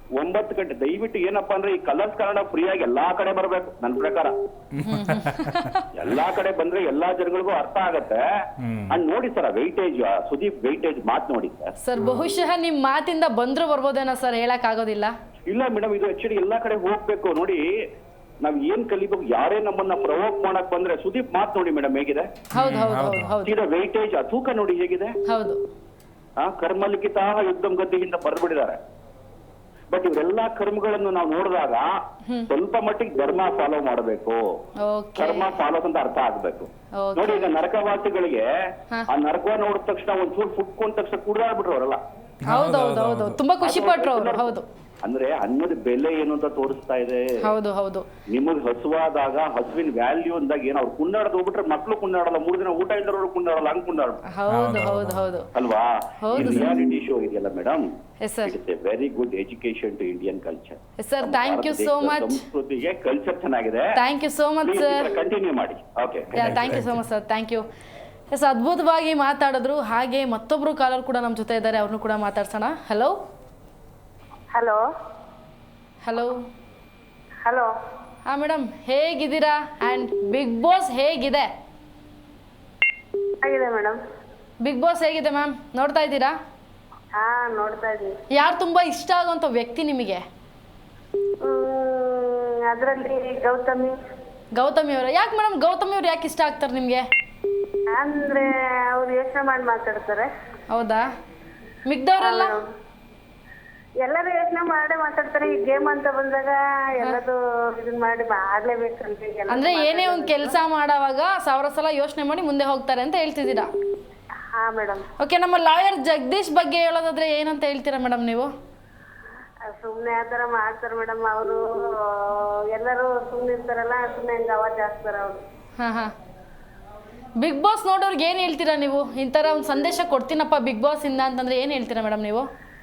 S7: 9 ಗಂಟೆ ದಯವಿಟ್ಟು ಏನಪ್ಪಾ ಅಂದ್ರೆ ಈ ಕಲರ್ಸ್ ಕನ್ನಡ ಫ್ರೀ ಆಗಿ ಎಲ್ಲಾ ಕಡೆ ಬರ್ಬೇಕು ನನ್ನ ಪ್ರಕಾರ. ಎಲ್ಲಾ ಕಡೆ ಬಂದ್ರೆ ಎಲ್ಲಾ ಜನಗಳಿಗೂ ಅರ್ಥ ಆಗತ್ತೆ. ಅಂಡ್ ನೋಡಿ ಸರ್ ವೈಟೇಜ್, ಸುದೀಪ್ ವೈಟೇಜ್ ಮಾತ್ ನೋಡಿ ಸರ್.
S1: ಸರ್ ಬಹುಶಃ ನಿಮ್ ಮಾತಿಂದ ಬಂದ್ರು ಬರ್ಬೋದೇನೋ ಸರ್, ಹೇಳಕ್ ಆಗೋದಿಲ್ಲ.
S7: ಇಲ್ಲ ಮೇಡಮ್, ಇದು ಆಕ್ಚುಲಿ ಎಲ್ಲಾ ಕಡೆ ಹೋಗ್ಬೇಕು. ನೋಡಿ ನಾವ್ ಏನ್ ಕಲಿಬೇಕು, ಯಾರೇ ನಮ್ಮನ್ನ ಪ್ರವೋಕ್ ಮಾಡಕ್ ಬಂದ್ರೆ ಸುದೀಪ್ ಮಾತ್ ನೋಡಿ ಮೇಡಮ್ ಹೇಗಿದೆ.
S1: ಹೌದು ಹೌದು ಹೌದು ಹೌದು
S7: ವೈಟೇಜ್ ಆ ತೂಕ ನೋಡಿ ಹೇಗಿದೆ.
S1: ಹೌದು
S7: ಕರ್ಮಲಿಖಿತ ಯುದ್ಧಂ ಗದ್ದಿಯಿಂದ ಬರ್ಬಿಟ್ಟಿದ್ದಾರೆ. ಬಟ್ ಇವರೆಲ್ಲಾ ಕರ್ಮಗಳನ್ನು ನಾವು ನೋಡಿದಾಗ ಸ್ವಲ್ಪ ಮಟ್ಟಿಗೆ ಧರ್ಮ ಫಾಲೋ ಮಾಡಬೇಕು, ಕರ್ಮ ಫಾಲೋ ಅಂತ ಅರ್ಥ ಆಗ್ಬೇಕು. ನೋಡಿ ಈಗ ನರಕವಾಸಿಗಳಿಗೆ ಆ ನರಕ ನೋಡಿದ ತಕ್ಷಣ ಒಂಚೂರು ಫುಟ್ಕೊಂಡ ತಕ್ಷಣ ಕುಡ್ದಾಡ್ಬಿಟ್ರು ಅವರೆಲ್ಲ.
S1: ಹೌದೌದು ತುಂಬಾ ಖುಷಿ ಪಟ್ರು ಅವರು. ಹೌದು
S7: ಅಂದ್ರೆ ಅನ್ನದ ಬೆಲೆ ಏನು ಅಂತ ತೋರಿಸ್ತಾ ಇದೆ.
S1: ಹೌದು ಹೌದು
S7: ನಿಮಗ್ ಹಸುವಾದಾಗ ಹಸುವಿನ ವ್ಯಾಲ್ಯೂ ಅಂದಾಗ ಏನ್ ಅವ್ರು ಕುಂಡಾಡದ್ ಹೋಗ್ಬಿಟ್ರೆ ಮಕ್ಳು ಕುಂಡಾಡಲ್ಲ, 3 ದಿನ ಊಟ ಇಲ್ದವ್ರು ಕುಂಡಾಡಲ್ಲ, ಹಂಗ್ ಕುಂಡಾಡ
S1: ಹೌದು ಹೌದು ಹೌದು
S7: ಅಲ್ವಾ. ರಿಯಾಲಿಟಿ ಶೋ ಇದೆಯಲ್ಲ madam,
S1: yes sir,
S7: it's a very good education to Indian culture.
S1: Yes sir, thank you so much.
S7: ಸಂಸ್ಕೃತಿಗೆ ಕಲ್ಚರ್ ಚೆನ್ನಾಗಿದೆ.
S1: Thank you so much sir,
S7: continue ಮಾಡಿ. Okay,
S1: thank you so much sir, thank you. Yes, ಅದ್ಭುತವಾಗಿ ಮಾತಾಡಿದ್ರು. ಹಾಗೆ ಮತ್ತೊಬ್ರು collar ಕೂಡ ನಮ್ಮ ಜೊತೆ ಇದ್ದಾರೆ, ಅವ್ರನ್ನು ಕೂಡ ಮಾತಾಡ್ಸೋಣ. Hello
S6: hello
S1: hello
S6: hello.
S1: ಹಾ ಮೇಡಮ್, ಹೇಗಿದ್ದೀರಾ? ಆ್ಯಂಡ್ ಬಿಗ್ ಬಾಸ್ ಹೇಗಿದೆ?
S6: ಆಗಿದೆ ಮೇಡಮ್.
S1: ಬಿಗ್ ಬಾಸ್ ಹೇಗಿದೆ ಮ್ಯಾಮ್, ನೋಡ್ತಾ ಇದ್ದೀರಾ?
S6: ಹಾ ನೋಡ್ತಾ ಇದೀವಿ.
S1: ಯಾರು ತುಂಬಾ ಇಷ್ಟ ಆಗುವಂಥ ವ್ಯಕ್ತಿ ನಿಮಗೆ?
S6: ಅದರಲ್ಲಿ ಗೌತಮಿ.
S1: ಗೌತಮಿ ಅವರು. ಯಾಕೆ ಮೇಡಮ್ ಗೌತಮಿ ಅವ್ರು ಯಾಕೆ ಇಷ್ಟ ಆಗ್ತಾರೆ ನಿಮಗೆ?
S6: ಅಂದ್ರೆ ಅವ್ರು ಯೋಚನೆ ಮಾಡಿ ಮಾತಾಡ್ತಾರೆ.
S1: ಹೌದಾ? ಮಿಗ್ದವ್ರೆಲ್ಲ
S6: ಎಲ್ಲರೂ ಯೋಚನೆ ಮಾಡೇ ಮಾತಾಡ್ತಾರೆ. ಈ ಗೇಮ್ ಅಂತ ಬಂದಾಗ ಎಲ್ಲದು ಇದನ್ನ ಮಾಡಿ ಮಾಡ್ಲೇಬೇಕಂತ.
S1: ಅಂದ್ರೆ ಏನೇ ಒಂದು ಕೆಲಸ ಮಾಡೋವಾಗ 1000 ಸಲ ಯೋಚನೆ ಮಾಡಿ ಮುಂದೆ ಹೋಗ್ತಾರೆ ಅಂತ ಹೇಳ್ತಿದ್ದೀರಾ?
S6: ಹಾ ಮೇಡಮ್.
S1: ಓಕೆ, ನಮ್ಮ ಲಾಯರ್ ಜಗದೀಶ್ ಬಗ್ಗೆ ಹೇಳೋದಾದ್ರೆ ಏನಂತ ಹೇಳ್ತೀರಾ ಮೇಡಮ್ ನೀವು?
S6: ಸುಮ್ನೆ ಆತರ ಮಾಡ್ತಾರೆ ಮೇಡಮ್. ಅವರು ಎಲ್ಲರೂ ಸುಮ್ನೆ ಇರ್ತಾರಲ್ಲ, ಸುಮ್ನೆ ಹಂಗ ಅವಾಜ್ ಹಾಕ್ತಾರ ಅವ್ರು.
S1: ಹಾ ಹಾ. ಬಿಗ್ ಬಾಸ್ ನೋಡೋರ್ಗೆ ಏನು ಹೇಳ್ತೀರಾ ನೀವು? ಈ ಥರ ಒಂದು ಸಂದೇಶ ಕೊಡ್ತೀನಪ್ಪ ಬಿಗ್ ಬಾಸ್ ಇಂದ ಅಂತಂದ್ರೆ ಏನು ಹೇಳ್ತೀರಾ ಮೇಡಮ್ ನೀವು?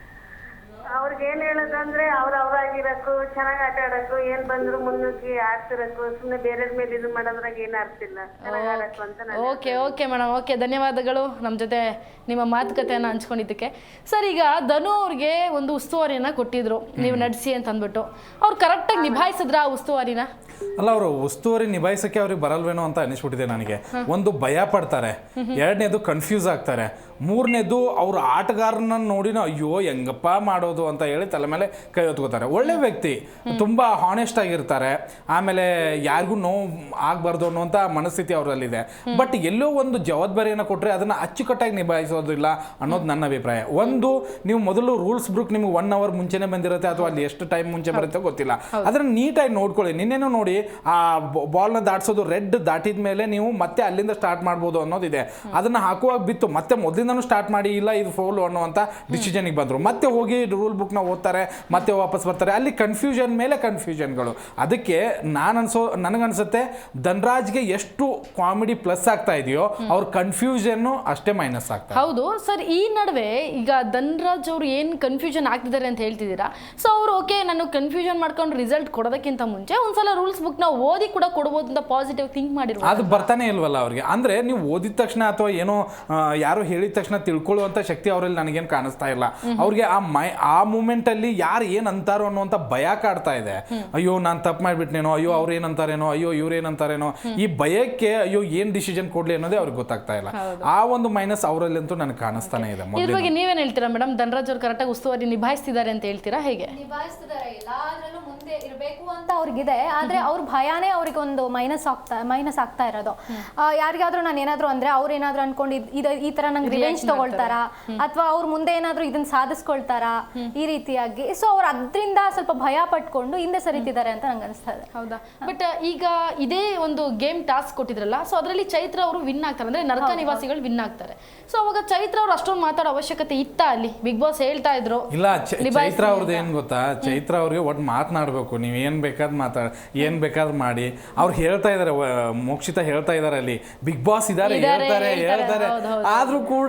S6: ಅವ್ರಿಗೆ ಏನ್ ಹೇಳೋದಂದ್ರೆ ಅವ್ರಾಗಿರಕ್ಕೂ, ಚೆನ್ನಾಗಿ ಆಟ ಆಡಕ್ಕೂ, ಏನ್ ಬಂದ್ರು ಮುನ್ನುಗ್ಗಿ ಆಡ್ತಿರಕ್ಕೂ, ಸುಮ್ನೆ ಬೇರೆ ಮೇಲೆ ಇದು ಮಾಡೋದ್ರಾಗ ಏನು ಅರ್ತಿಲ್ಲ, ಚೆನ್ನಾಗಿ ಆಡಕ್ಕೂ ಅಂತ.
S1: ಓಕೆ ಓಕೆ ಮೇಡಮ್, ಓಕೆ, ಧನ್ಯವಾದಗಳು ನಮ್ಮ ಜೊತೆ ನಿಮ್ಮ ಮಾತುಕತೆಯನ್ನು ಹಂಚ್ಕೊಂಡಿದ್ದಕ್ಕೆ. ಸರ್, ಈಗ ಧನು ಅವ್ರಿಗೆ ಒಂದು ಉಸ್ತುವಾರಿಯನ್ನು ಕೊಟ್ಟಿದ್ರು ನೀವು ನಡೆಸಿ ಅಂತ ಅಂದ್ಬಿಟ್ಟು, ಅವ್ರು ಕರೆಕ್ಟಾಗಿ ನಿಭಾಯಿಸಿದ್ರ ಆ ಉಸ್ತುವಾರಿನ?
S2: ಅಲ್ಲ, ಅವರು ಉಸ್ತುವಾರಿ ನಿಭಾಯಿಸೋಕ್ಕೆ ಅವ್ರಿಗೆ ಬರಲ್ವೇನೋ ಅಂತ ಅನಿಸ್ಬಿಟ್ಟಿದೆ ನನಗೆ. ಒಂದು ಭಯ ಪಡ್ತಾರೆ, ಎರಡನೇದು ಕನ್ಫ್ಯೂಸ್ ಆಗ್ತಾರೆ, ಮೂರನೇದು ಅವ್ರ ಆಟಗಾರನ ನೋಡಿನ ಅಯ್ಯೋ ಹೆಂಗಪ್ಪ ಮಾಡೋದು ಅಂತ ಹೇಳಿ ತಲೆ ಮೇಲೆ ಕೈ ಹೊತ್ಕೋತಾರೆ. ಒಳ್ಳೆ ವ್ಯಕ್ತಿ, ತುಂಬ ಹಾನೆಸ್ಟ್ ಆಗಿರ್ತಾರೆ, ಆಮೇಲೆ ಯಾರಿಗೂ ನೋವು ಆಗಬಾರ್ದು ಅನ್ನುವಂಥ ಮನಸ್ಥಿತಿ ಅವರಲ್ಲಿದೆ. ಬಟ್ ಎಲ್ಲೋ ಒಂದು ಜವಾಬ್ದಾರಿಯನ್ನು ಕೊಟ್ಟರೆ ಅದನ್ನು ಅಚ್ಚುಕಟ್ಟಾಗಿ ನಿಭಾಯಿಸೋದಿಲ್ಲ ಅನ್ನೋದು ನನ್ನ ಅಭಿಪ್ರಾಯ. ಒಂದು, ನೀವು ಮೊದಲು ರೂಲ್ಸ್ ಬುಕ್ ನಿಮ್ಗೆ 1 ಅವರ್ ಮುಂಚೆನೇ ಬಂದಿರುತ್ತೆ ಅಥವಾ ಅಲ್ಲಿ ಎಷ್ಟು ಟೈಮ್ ಮುಂಚೆ ಬರುತ್ತೆ ಗೊತ್ತಿಲ್ಲ, ಅದನ್ನು ನೀಟಾಗಿ ನೋಡ್ಕೊಳ್ಳಿ. ನಿನ್ನೆನೂ ನೋಡಿ, ಆ ಬಾಲ್ನ ದಾಟಿಸೋದು ರೆಡ್ ದಾಟಿದ ಮೇಲೆ ನೀವು ಮತ್ತೆ ಅಲ್ಲಿಂದ ಸ್ಟಾರ್ಟ್ ಮಾಡ್ಬೋದು ಅನ್ನೋದಿದೆ. ಅದನ್ನು ಹಾಕುವಾಗ ಬಿತ್ತು ಮತ್ತೆ ಮೊದಲಿಂದನೂ ಸ್ಟಾರ್ಟ್ ಮಾಡಿ, ಇಲ್ಲ ಇದು ಫೌಲ್ ಅನ್ನುವಂಥ ಡಿಸಿಷನ್ಗೆ ಬಂದರು. ಮತ್ತೆ ಹೋಗಿ ರೂಲ್ ಬುಕ್ನ ಓದ್ತಾರೆ, ಮತ್ತೆ ವಾಪಸ್ ಬರ್ತಾರೆ. ಅಲ್ಲಿ ಕನ್ಫ್ಯೂಷನ್ ಮೇಲೆ ಕನ್ಫ್ಯೂಷನ್ಗಳು. ಅದಕ್ಕೆ ನನಗನ್ಸುತ್ತೆ ಧನ್ರಾಜ್ಗೆ ಎಷ್ಟು ಕಾಮಿಡಿ ಪ್ಲಸ್ ಆಗ್ತಾ ಇದೆಯೋ ಅವ್ರ ಕನ್ಫ್ಯೂಷನ್ನು ಅಷ್ಟೇ ಮೈನಸ್ ಆಗ್ತಾ.
S1: ಹೌದು ಸರ್, ಈ ನಡುವೆ ಈಗ ಧನ್ರಾಜ್ ಅವರು ಏನು ಕನ್ಫ್ಯೂಷನ್ ಆಗ್ತಿದ್ದಾರೆ ಅಂತ ಹೇಳ್ತಿದ್ದೀರಾ. ಸೊ ಅವರು ಓಕೆ, ನಾನು ಕನ್ಫ್ಯೂಷನ್ ಮಾಡ್ಕೊಂಡು ರಿಸಲ್ಟ್ ಕೊಡೋದಕ್ಕಿಂತ ಮುಂಚೆ ಒಂದ್ಸಲ ರೂಲ್ಸ್ ಬುಕ್ ನಾವು ಓದಿ ಕೂಡ ಕೊಡ್ಬೋದು ಅಂತ ಪಾಸಿಟಿವ್ ಥಿಂಕ್ ಮಾಡಿರ್ಬೋದು.
S2: ಅದು ಬರ್ತಾನೆ ಇಲ್ವಲ್ಲ ಅವ್ರಿಗೆ. ಅಂದರೆ ನೀವು ಓದಿದ ತಕ್ಷಣ ಅಥವಾ ಏನೋ ಯಾರು ಹೇಳಿದ ತಕ್ಷಣ ತಿಳ್ಕೊಳ್ಳುವಂಥ ಶಕ್ತಿ ಅವರಲ್ಲಿ ನನಗೇನು ಕಾಣಿಸ್ತಾ ಇಲ್ಲ. ಅವ್ರಿಗೆ ಆ ಮೂಮೆಂಟಲ್ಲಿ ಯಾರು ಏನು ಅಂತಾರೋ ಅನ್ನುವಂಥ ಭಯ ಕಾಡ್ತಾ ಇದೆ. ಅಯ್ಯೋ ನಾನು ತಪ್ಪು ಮಾಡಿಬಿಟ್ನೇನೋ, ಅಯ್ಯೋ ಅವ್ರು ಏನಂತಾರೇನೋ, ಅಯ್ಯೋ ಇವ್ರೇನಂತಾರೇನೋ, ಈ ಭಯಕ್ಕೆ ಅಯ್ಯೋ ಏನು ಡಿಸಿಷನ್ ಕೊಡ್ಲಿ ಅನ್ನೋದೇ ಅವ್ರಿಗೆ ಗೊತ್ತಾಗ್ತಾ ಇಲ್ಲ. ಆ ಒಂದು ಮೈನಸ್ ಅವರಲ್ಲಂತೂ ನನಗೆ ಕಾಣಿಸ್ತಾನೆ ಇದೆ.
S1: ಇದ್ರ ಬಗ್ಗೆ ನೀವೇನು ಹೇಳ್ತೀರಾ ಮೇಡಮ್? ಧನ್ರಾಜ್ ಅವ್ರು ಕರೆಕ್ಟಾಗಿ ಉಸ್ತುವಾರಿ ನಿಭಾಯಿಸ್ತಿದ್ದಾರೆ ಅಂತ ಹೇಳ್ತೀರಾ? ಹೇಗೆ
S3: ನಿಭಾಯಿಸ್ತಿದ್ದಾರೆ, ಎಲ್ಲಾದ್ರಲ್ಲೂ ಮುಂದೆ ಇರಬೇಕು ಅಂತ ಅವ್ರಿಗಿದೆ. ಆದ್ರೆ ಅವ್ರ ಭಯಾನೇ ಅವ್ರಿಗೆ ಒಂದು ಮೈನಸ್ ಆಗ್ತಾ ಇರೋದು. ಯಾರಿಗಾದ್ರೂ ನಾನು ಏನಾದ್ರು ಅಂದ್ರೆ ಅವ್ರು ಏನಾದ್ರು ಅನ್ಕೊಂಡು ಈ ತರ ನಂಗೆ ರಿವೆಂಜ್ ತಗೊಳ್ತಾರಾ, ಅಥವಾ ಅವ್ರ ಮುಂದೆ ಏನಾದ್ರು ಇದನ್ನ ಸಾಧಿಸ್ಕೊಳ್ತಾರಾ ಈ ರೀತಿಯಾಗಿ. ಸೊ ಅವ್ರು ಅದ್ರಿಂದ ಸ್ವಲ್ಪ ಭಯ ಪಟ್ಕೊಂಡು ಹಿಂದೆ ಸರಿತಿದ್ದಾರೆ ಅಂತ ನಂಗೆ ಅನಿಸ್ತಾ ಇದೆ.
S1: ಹೌದಾ? ಬಟ್ ಈಗ ಇದೇ ಒಂದು ಗೇಮ್ ಟಾಸ್ಕ್ ಕೊಟ್ಟಿದ್ರಲ್ಲ, ಸೊ ಅದರಲ್ಲಿ ಚೈತ್ರ ಅವರು ವಿನ್ ಆಗ್ತಾರೆ, ಅಂದ್ರೆ ನರಕ ನಿವಾಸಿಗಳು ವಿನ್ ಆಗ್ತಾರೆ. ಸೊ ಅವಾಗ ಚೈತ್ರ ಅವ್ರು ಅಷ್ಟೊಂದು ಮಾತಾಡೋ ಅವಶ್ಯಕತೆ ಇತ್ತ ಅಲ್ಲಿ? ಬಿಗ್ ಬಾಸ್ ಹೇಳ್ತಾ ಇದ್ರು
S2: ಇಲ್ಲ. ಚೈತ್ರ ಅವ್ರದ್ದು ಏನ್ ಗೊತ್ತಾ, ಚೈತ್ರ ಅವ್ರಿಗೆ ಒಟ್ಟು ಮಾತನಾಡ್ಬೇಕು, ನೀವು ಏನ್ ಬೇಕಾದ್ ಏನ್ ಬೇಕಾದ್ರೂ ಮಾಡಿ. ಅವ್ರು ಹೇಳ್ತಾ ಇದಾರೆ, ಮೋಕ್ಷಿತ ಹೇಳ್ತಾ ಇದಾರೆ ಅಲ್ಲಿ ಬಿಗ್ ಬಾಸ್ ಇದಾರೆ, ಹೇಳ್ತಾರೆ. ಆದ್ರೂ ಕೂಡ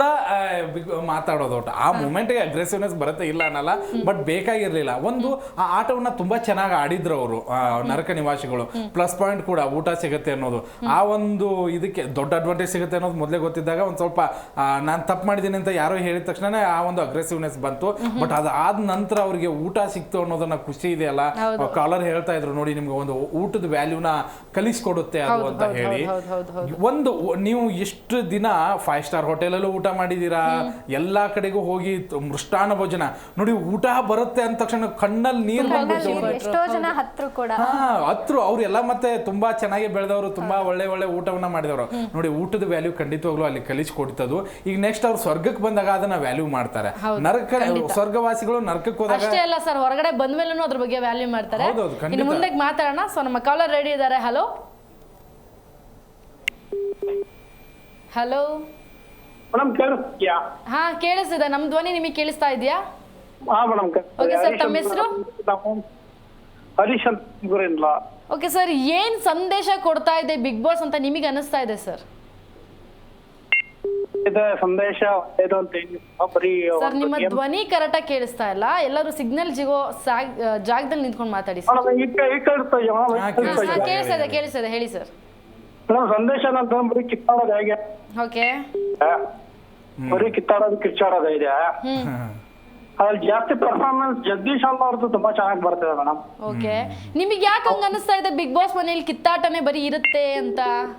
S2: ಮಾತಾಡೋದು ಒಟ್ಟು ಆ ಮೂಮೆಂಟ್ಗೆ ಅಗ್ರೆಸಿವ್ನೆಸ್ ಬರುತ್ತೆ ಇಲ್ಲ ಅನ್ನಲ್ಲ, ಬಟ್ ಬೇಕಾಗಿರ್ಲಿಲ್ಲ. ಒಂದು ಆ ಆಟವನ್ನ ತುಂಬಾ ಚೆನ್ನಾಗಿ ಆಡಿದ್ರು ಅವರು ನರಕ ನಿವಾಸಿಗಳು. ಪ್ಲಸ್ ಪಾಯಿಂಟ್ ಕೂಡ ಊಟ ಸಿಗುತ್ತೆ ಅನ್ನೋದು, ಆ ಒಂದು ಇದಕ್ಕೆ ದೊಡ್ಡ ಅಡ್ವಾಂಟೇಜ್ ಸಿಗುತ್ತೆ ಅನ್ನೋದು ಮೊದಲೇ ಗೊತ್ತಿದ್ದಾಗ ಒಂದು ಸ್ವಲ್ಪ ನಾನು ತಪ್ಪು ಮಾಡಿದ್ದೀನಿ ಅಂತ ಯಾರೋ ಹೇಳಿದ ತಕ್ಷಣ ಆ ಒಂದು ಅಗ್ರೆಸಿವ್ನೆಸ್ ಬಂತು. ಬಟ್ ಅದಾದ ನಂತರ ಅವ್ರಿಗೆ ಊಟ ಸಿಕ್ತು ಅನ್ನೋದನ್ನ ಖುಷಿ ಇದೆಯಲ್ಲ, ಕಾಲರ್ ಹೇಳ್ತಾ ಇದ್ರು ನೋಡಿ ನಿಮ್ಗೆ ಒಂದು ಊಟದ ವ್ಯಾಲ್ಯೂನ ಕಲಿಸ್ಕೊಡುತ್ತೆ ಅದು ಅಂತ ಹೇಳಿ. ಒಂದು ನೀವು ಎಷ್ಟು ದಿನ 5 ಸ್ಟಾರ್ ಹೋಟೆಲಲ್ಲೂ ಊಟ ಮಾಡಿದೀರಾ, ಎಲ್ಲಾ ಕಡೆಗೂ ಹೋಗಿ ಮೃಷ್ಟಾನ್ನ ಭೋಜನ ನೋಡಿ, ಊಟ ಬರುತ್ತೆ ಅಂದ ತಕ್ಷಣ ಕಣ್ಣಲ್ಲಿ ನೀರು ಬಂದ್ಬಿಟ್ಟು
S3: ಎಷ್ಟೋ ಜನ ಹತ್ರ ಕೂಡ
S2: ಹತ್ರ ಅವ್ರೆಲ್ಲ ಮತ್ತೆ ತುಂಬಾ ಚೆನ್ನಾಗಿ ಬೆಳೆದವರು, ತುಂಬಾ ಒಳ್ಳೆ ಒಳ್ಳೆ ಊಟವನ್ನ ಮಾಡಿದವರು ನೋಡಿ. ಊಟದ ವ್ಯಾಲ್ಯೂ ಖಂಡಿತವಾಗ್ಲೂ ಅಲ್ಲಿ ಕಲಿಸ್ಕೊಡ್ತದ್ದು. ಈಗ ನೆಕ್ಸ್ಟ್ ಅವ್ರು ಸ್ವರ್ಗಕ್ಕೆ ಬಂದಾಗ ಅದನ್ನ ವ್ಯಾಲ್ಯೂ ಮಾಡ್ತಾರೆ. ನರಕ ಸ್ವರ್ಗವಾಸಿಗಳು ನರಕಕ್ಕೆ ಹೋದಾಗ
S1: ಅಷ್ಟೇ ಅಲ್ಲ ಸರ್, ಹೊರಗಡೆ ಬಂದ್ಮೇಲೂ ಅದ್ರ ಬಗ್ಗೆ ವ್ಯಾಲ್ಯೂ ಮಾಡ್ತಾರೆ. ಇನ್ನು ಮುಂದೆ ಮಾತಾಡೋಣ. ಸೊ ನಮ್ಮ ಕಾಲರ್ ರೆಡಿ ಇದ್ದಾರೆ. ಹಲೋ ಹಲೋ
S8: ಮೇಡಮ್ ಕೇಳಿಸ್ತೀಯಾ?
S1: ಹಾ ಕೇಳಿಸ್ತಿದೆ. ನಮ್ ಧ್ವನಿ ನಿಮಗೆ ಕೇಳಿಸ್ತಾ ಇದೆಯಾ?
S8: ಹಾ ಮೇಡಮ್.
S1: ಓಕೆ ಸರ್, ತಮ್ಮ ಹೆಸರು?
S8: ಹರೀಶ್ ಅಂತ ಗುರಿಲ್ಲ.
S1: ಓಕೆ ಸರ್, ಏನ್ ಸಂದೇಶ ಕೊಡ್ತಾ ಇದೆ ಬಿಗ್ ಬಾಸ್ ಅಂತ ನಿಮಗೆ ಅನಿಸ್ತಾ ಇದೆ ಸರ್?
S8: ಸಂದೇಶ ಏನು ಅಂತ ಬರೀ
S1: ಸರ್ ನಿಮ್ಮ ಧ್ವನಿ ಕರೆಕ್ಟ್ ಆಗಿ ಕೇಳಿಸ್ತಾ ಇಲ್ಲ. ಎಲ್ಲರೂ ಸಿಗ್ನಲ್ ಸಿಗೋ ಜಾಗದಲ್ಲಿ ನಿಂತ್ಕೊಂಡು ಮಾತಾಡಿ ಸರ್. ಕೇಳಿಸ್ತಾ ಇದೆ, ಹೇಳಿ ಸರ್.
S8: ಸಂದೇಶ ಬರೀ ಕಿತ್ತಾಡೋದು ಹೇಗೆ?
S1: ಓಕೆ,
S8: ಬರೀ ಕಿತ್ತಾಡೋದು ಕಿಚ್ಚಾಡೋದು ಇದೆ. ಅದ್ರಲ್ಲಿ ಜಾಸ್ತಿ ಪರ್ಫಾರ್ಮೆನ್ಸ್ ಜಗದೀಶ್ ಅವ್ರದ್ದು ತುಂಬಾ ಚೆನ್ನಾಗಿ ಬರ್ತಿದೆ ಮೇಡಮ್.
S1: ಓಕೆ, ನಿಮಗೆ ಯಾಕೆ ಹಂಗ ಅನಿಸ್ತಾ ಇದೆ ಬಿಗ್ ಬಾಸ್ ಮನೇಲಿ ಕಿತ್ತಾಟನೇ ಬರೀ ಇರುತ್ತೆ ಅಂತ?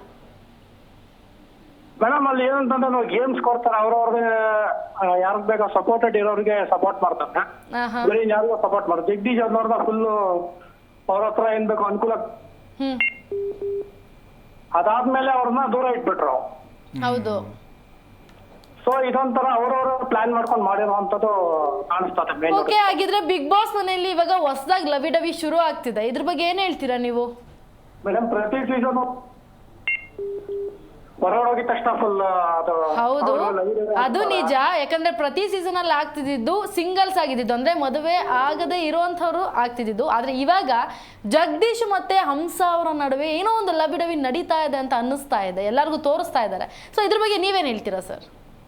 S8: ಮೇಡಮ್ ಅಲ್ಲಿ ಏನಂತಂದ್ರೆ ನಾವು ಗೇಮ್ಸ್ ಕೊಡ್ತಾರೆ, ಅವ್ರವ್ರಿಗೆ ಯಾರಿಗ್ ಬೇಕಾ ಸಪೋರ್ಟೆಡ್ ಇರೋರಿಗೆ ಸಪೋರ್ಟ್ ಮಾಡ್ತಾರೆ, ಬರೀ ಯಾರಿಗೂ ಸಪೋರ್ಟ್ ಮಾಡ್ತಾರೆ. ಜಗದೀಶ್ ಅವ್ರನ್ನ ಫುಲ್ಲು ಅವ್ರ ಹತ್ರ ಏನ್ ಬೇಕು ಅನುಕೂಲ, ಅದಾದ್ಮೇಲೆ ಅವ್ರನ್ನ ದೂರ ಇಟ್ಬಿಟ್ರು.
S1: ಹೌದು.
S8: ಸೊ ಇದೊಂಥರ ಅವ್ರವ್ರ ಪ್ಲಾನ್ ಮಾಡ್ಕೊಂಡು ಮಾಡಿರುವಂತದ್ದು ಕಾಣಿಸ್ತದೆ.
S1: ಓಕೆ, ಹಾಗಿದ್ರೆ ಬಿಗ್ ಬಾಸ್ ಮನೆಯಲ್ಲಿ ಇವಾಗ ಹೊಸದಾಗಿ ಲವಿ ಡವಿ ಶುರು ಆಗ್ತಿದೆ, ಇದ್ರ ಬಗ್ಗೆ ಏನ್ ಹೇಳ್ತೀರಾ ನೀವು?
S8: ಮೇಡಮ್ ಪ್ರತಿ ಸೀಸನ್ ಹೊರಗೋಗಿದ ತಕ್ಷಣ ಫುಲ್
S1: ಹೌದು, ಅದು ನಿಜ. ಯಾಕಂದ್ರೆ ಪ್ರತಿ ಸೀಸನ್ ಅಲ್ಲಿ ಆಗ್ತಿದ್ದು ಸಿಂಗಲ್ಸ್ ಆಗಿದ್ದು, ಅಂದ್ರೆ ಮದುವೆ ಆಗದೆ ಇರುವಂತವ್ರು ಆಗ್ತಿದ್ದು. ಆದ್ರೆ ಇವಾಗ ಜಗದೀಶ್ ಮತ್ತೆ ಹಂಸ ಅವರ ನಡುವೆ ಏನೋ ಒಂದು ಲವಿ ಡವಿ ನಡೀತಾ ಇದೆ ಅಂತ ಅನ್ನಿಸ್ತಾ ಇದೆ, ಎಲ್ಲರಿಗೂ ತೋರಿಸ್ತಾ ಇದ್ದಾರೆ. ಸೊ ಇದ್ರ ಬಗ್ಗೆ ನೀವೇನ್ ಹೇಳ್ತೀರಾ ಸರ್?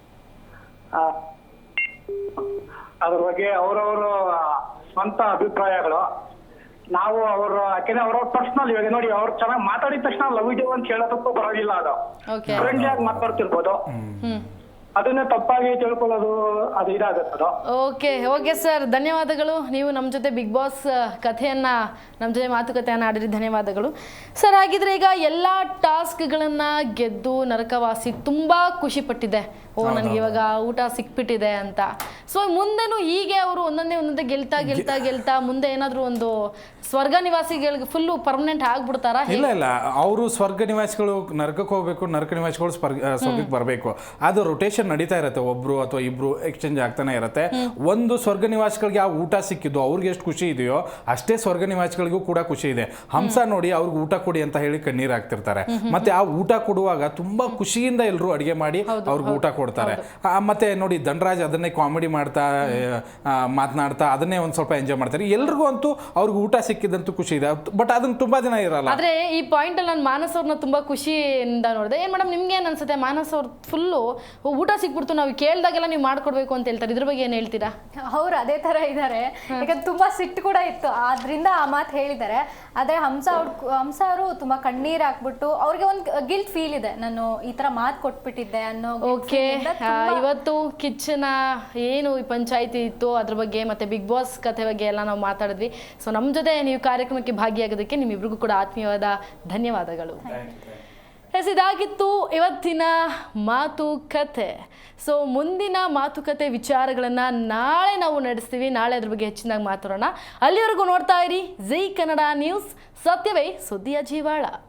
S8: ಅದ್ರ ಬಗ್ಗೆ ಅವರವರ ಸ್ವಂತ ಅಭಿಪ್ರಾಯಗಳು. ನಾವು ಅವರು ಯಾಕೆಂದ್ರೆ ಅವ್ರವ್ರ ಪರ್ಸನಲ್, ಇವಾಗ ನೋಡಿ ಅವ್ರು ಚೆನ್ನಾಗಿ ಮಾತಾಡಿದ ತಕ್ಷಣ ಲವ್ ಯು ಅಂತ ಹೇಳೋದಕ್ಕೂ ಬರೋದಿಲ್ಲ. ಅದು ಫ್ರೆಂಡ್ಲಿ ಆಗಿ ಮಾತಾಡ್ತಿರ್ಬೋದು, ಅದನ್ನೇ ತಪ್ಪಾಗಿ ತಿಳ್ಕೊಳ್ಳೋದು ಅದು ಇದಾಗುತ್ತೆ.
S1: ಓಕೆ ಸರ್, ಧನ್ಯವಾದಗಳು. ನೀವು ನಮ್ಮ ಜೊತೆ ಬಿಗ್ ಬಾಸ್ ಕಥೆಯನ್ನ ನಮ್ಮ ಜೊತೆ ಮಾತುಕತೆಯನ್ನು ಆಡಿರಿ, ಧನ್ಯವಾದಗಳು ಸರ್. ಹಾಗಿದ್ರೆ ಈಗ ಎಲ್ಲ ಟಾಸ್ಕ್ಗಳನ್ನ ಗೆದ್ದು ನರಕವಾಸಿ ತುಂಬಾ ಖುಷಿ ಪಟ್ಟಿದೆ. ನನಗೆ ಇವಾಗ ಊಟ ಸಿಕ್ಬಿಟ್ಟಿದೆ ಅಂತ. ಸೊ ಮುಂದೆನೂ ಹೀಗೆ ಅವರು ಒಂದೊಂದೇ ಗೆಲ್ತಾ ಮುಂದೆ ಏನಾದ್ರು ಒಂದು ಸ್ವರ್ಗ ನಿವಾಸಿಗಳಿಗೆ ಫುಲ್ಲು ಪರ್ಮನೆಂಟ್ ಆಗ್ಬಿಡ್ತಾರಾ?
S2: ಇಲ್ಲ, ಅವರು ಸ್ವರ್ಗ ನಿವಾಸಿಗಳು ನರಕಕ್ಕೆ ಹೋಗ್ಬೇಕು, ನರಕ ನಿವಾಸಿಗಳು ಸ್ವರ್ಗಕ್ಕೆ ಬರಬೇಕು. ಅದು ರೊಟೇಷನ್ ನಡೀತಾ ಇರುತ್ತೆ, ಒಬ್ರು ಅಥವಾ ಇಬ್ರು ಎಕ್ಸ್ಚೇಂಜ್ ಆಗ್ತಾನೆ ಇರುತ್ತೆ. ಒಂದು ಸ್ವರ್ಗ ನಿವಾಸಿಗಳಿಗೆ ಆ ಊಟ ಸಿಕ್ಕಿದ್ದು ಅವ್ರಿಗೆ ಎಷ್ಟು ಖುಷಿ ಇದೆಯೋ ಅಷ್ಟೇ ಸ್ವರ್ಗ ನಿವಾಸಿಗಳಿಗೂ ಕೂಡ ಖುಷಿ ಇದೆ. ಹಂಸ ನೋಡಿ ಅವ್ರಿಗೆ ಊಟ ಕೊಡಿ ಅಂತ ಹೇಳಿ ಕಣ್ಣೀರ್ ಹಾಕ್ತಿರ್ತಾರೆ. ಮತ್ತೆ ಆ ಊಟ ಕೊಡುವಾಗ ತುಂಬಾ ಖುಷಿಯಿಂದ ಎಲ್ಲರೂ ಅಡಿಗೆ ಮಾಡಿ ಅವ್ರಿಗೆ ಊಟ ಕೊಡ್ತಾರೆ. ಮತ್ತೆ ನೋಡಿ ಧನರಾಜ್ ಅದನ್ನೇ ಕಾಮಿಡಿ ಮಾಡ್ತಾ ಮಾತನಾಡ್ತಾ ಅದನ್ನೇ ಒಂದ್ ಸ್ವಲ್ಪ ಎಂಜಾಯ್ ಮಾಡ್ತಾರೆ. ಎಲ್ರಿಗೂ ಅಂತೂ ಅವ್ರಿಗೆ ಊಟ ಸಿಕ್ಕಿದಂತೂ ಖುಷಿ ಇದೆ. ಬಟ್ ಅದನ್ನ ತುಂಬಾ ದಿನ ಇರಲ್ಲ.
S1: ಆದ್ರೆ ಈ ಪಾಯಿಂಟ್ ಅಲ್ಲಿ ನಾನು ಮಾನಸ್ ಅವ್ರನ್ನ ತುಂಬಾ ಖುಷಿಯಿಂದ ನೋಡಿದೆ. ಏನ್ ಮೇಡಮ್ ನಿಮ್ಗೆ ಏನ್ ಅನ್ಸುತ್ತೆ? ಮಾನಸ್ ಅವ್ರು ಫುಲ್ಲು ಊಟ ಸಿಕ್ಬಿಡ್ತು, ನಾವು ಕೇಳ್ದಾಗೆಲ್ಲ ನೀವು ಮಾಡ್ಕೊಡ್ಬೇಕು ಅಂತ ಹೇಳ್ತಾರೆ, ಇದ್ರ ಬಗ್ಗೆ ಏನ್ ಹೇಳ್ತೀರಾ?
S3: ಅವ್ರು ಅದೇ ತರ ಇದ್ದಾರೆ. ಯಾಕಂದ್ರೆ ತುಂಬಾ ಸಿಟ್ಟು ಕೂಡ ಇತ್ತು, ಆದ್ರಿಂದ ಆ ಮಾತು ಹೇಳಿದ್ದಾರೆ. ಆದ್ರೆ ಹಂಸ ಅವರು ತುಂಬಾ ಕಣ್ಣೀರ್ ಹಾಕ್ಬಿಟ್ಟು ಅವ್ರಿಗೆ ಒಂದು ಗಿಲ್ಟ್ ಫೀಲ್ ಇದೆ, ನಾನು ಈ ತರ ಮಾತು ಕೊಟ್ಬಿಟ್ಟಿದ್ದೆ ಅನ್ನೋ.
S1: ಓಕೆ, ಇವತ್ತು ಕಿಚ್ಚನ ಏನು ಈ ಪಂಚಾಯಿತಿ ಇತ್ತು ಅದ್ರ ಬಗ್ಗೆ ಮತ್ತೆ ಬಿಗ್ ಬಾಸ್ ಕಥೆ ಬಗ್ಗೆ ಎಲ್ಲ ನಾವು ಮಾತಾಡಿದ್ವಿ. ಸೊ ನಮ್ಮ ಜೊತೆ ನೀವು ಕಾರ್ಯಕ್ರಮಕ್ಕೆ ಭಾಗಿಯಾಗೋದಕ್ಕೆ ನಿಮ್ಮಿಬ್ರಿಗೂ ಕೂಡ ಆತ್ಮೀಯವಾದ ಧನ್ಯವಾದಗಳು. ಇದಾಗಿತ್ತು ಇವತ್ತಿನ ಮಾತುಕತೆ. ಸೊ ಮುಂದಿನ ಮಾತುಕತೆ ವಿಚಾರಗಳನ್ನು ನಾಳೆ ನಾವು ನಡೆಸ್ತೀವಿ. ನಾಳೆ ಅದ್ರ ಬಗ್ಗೆ ಹೆಚ್ಚಿನಾಗಿ ಮಾತಾಡೋಣ. ಅಲ್ಲಿವರೆಗೂ ನೋಡ್ತಾ ಇರಿ ಜೈ ಕನ್ನಡ ನ್ಯೂಸ್, ಸತ್ಯವೇ ಸುದ್ದಿಯ ಜೀವಾಳ.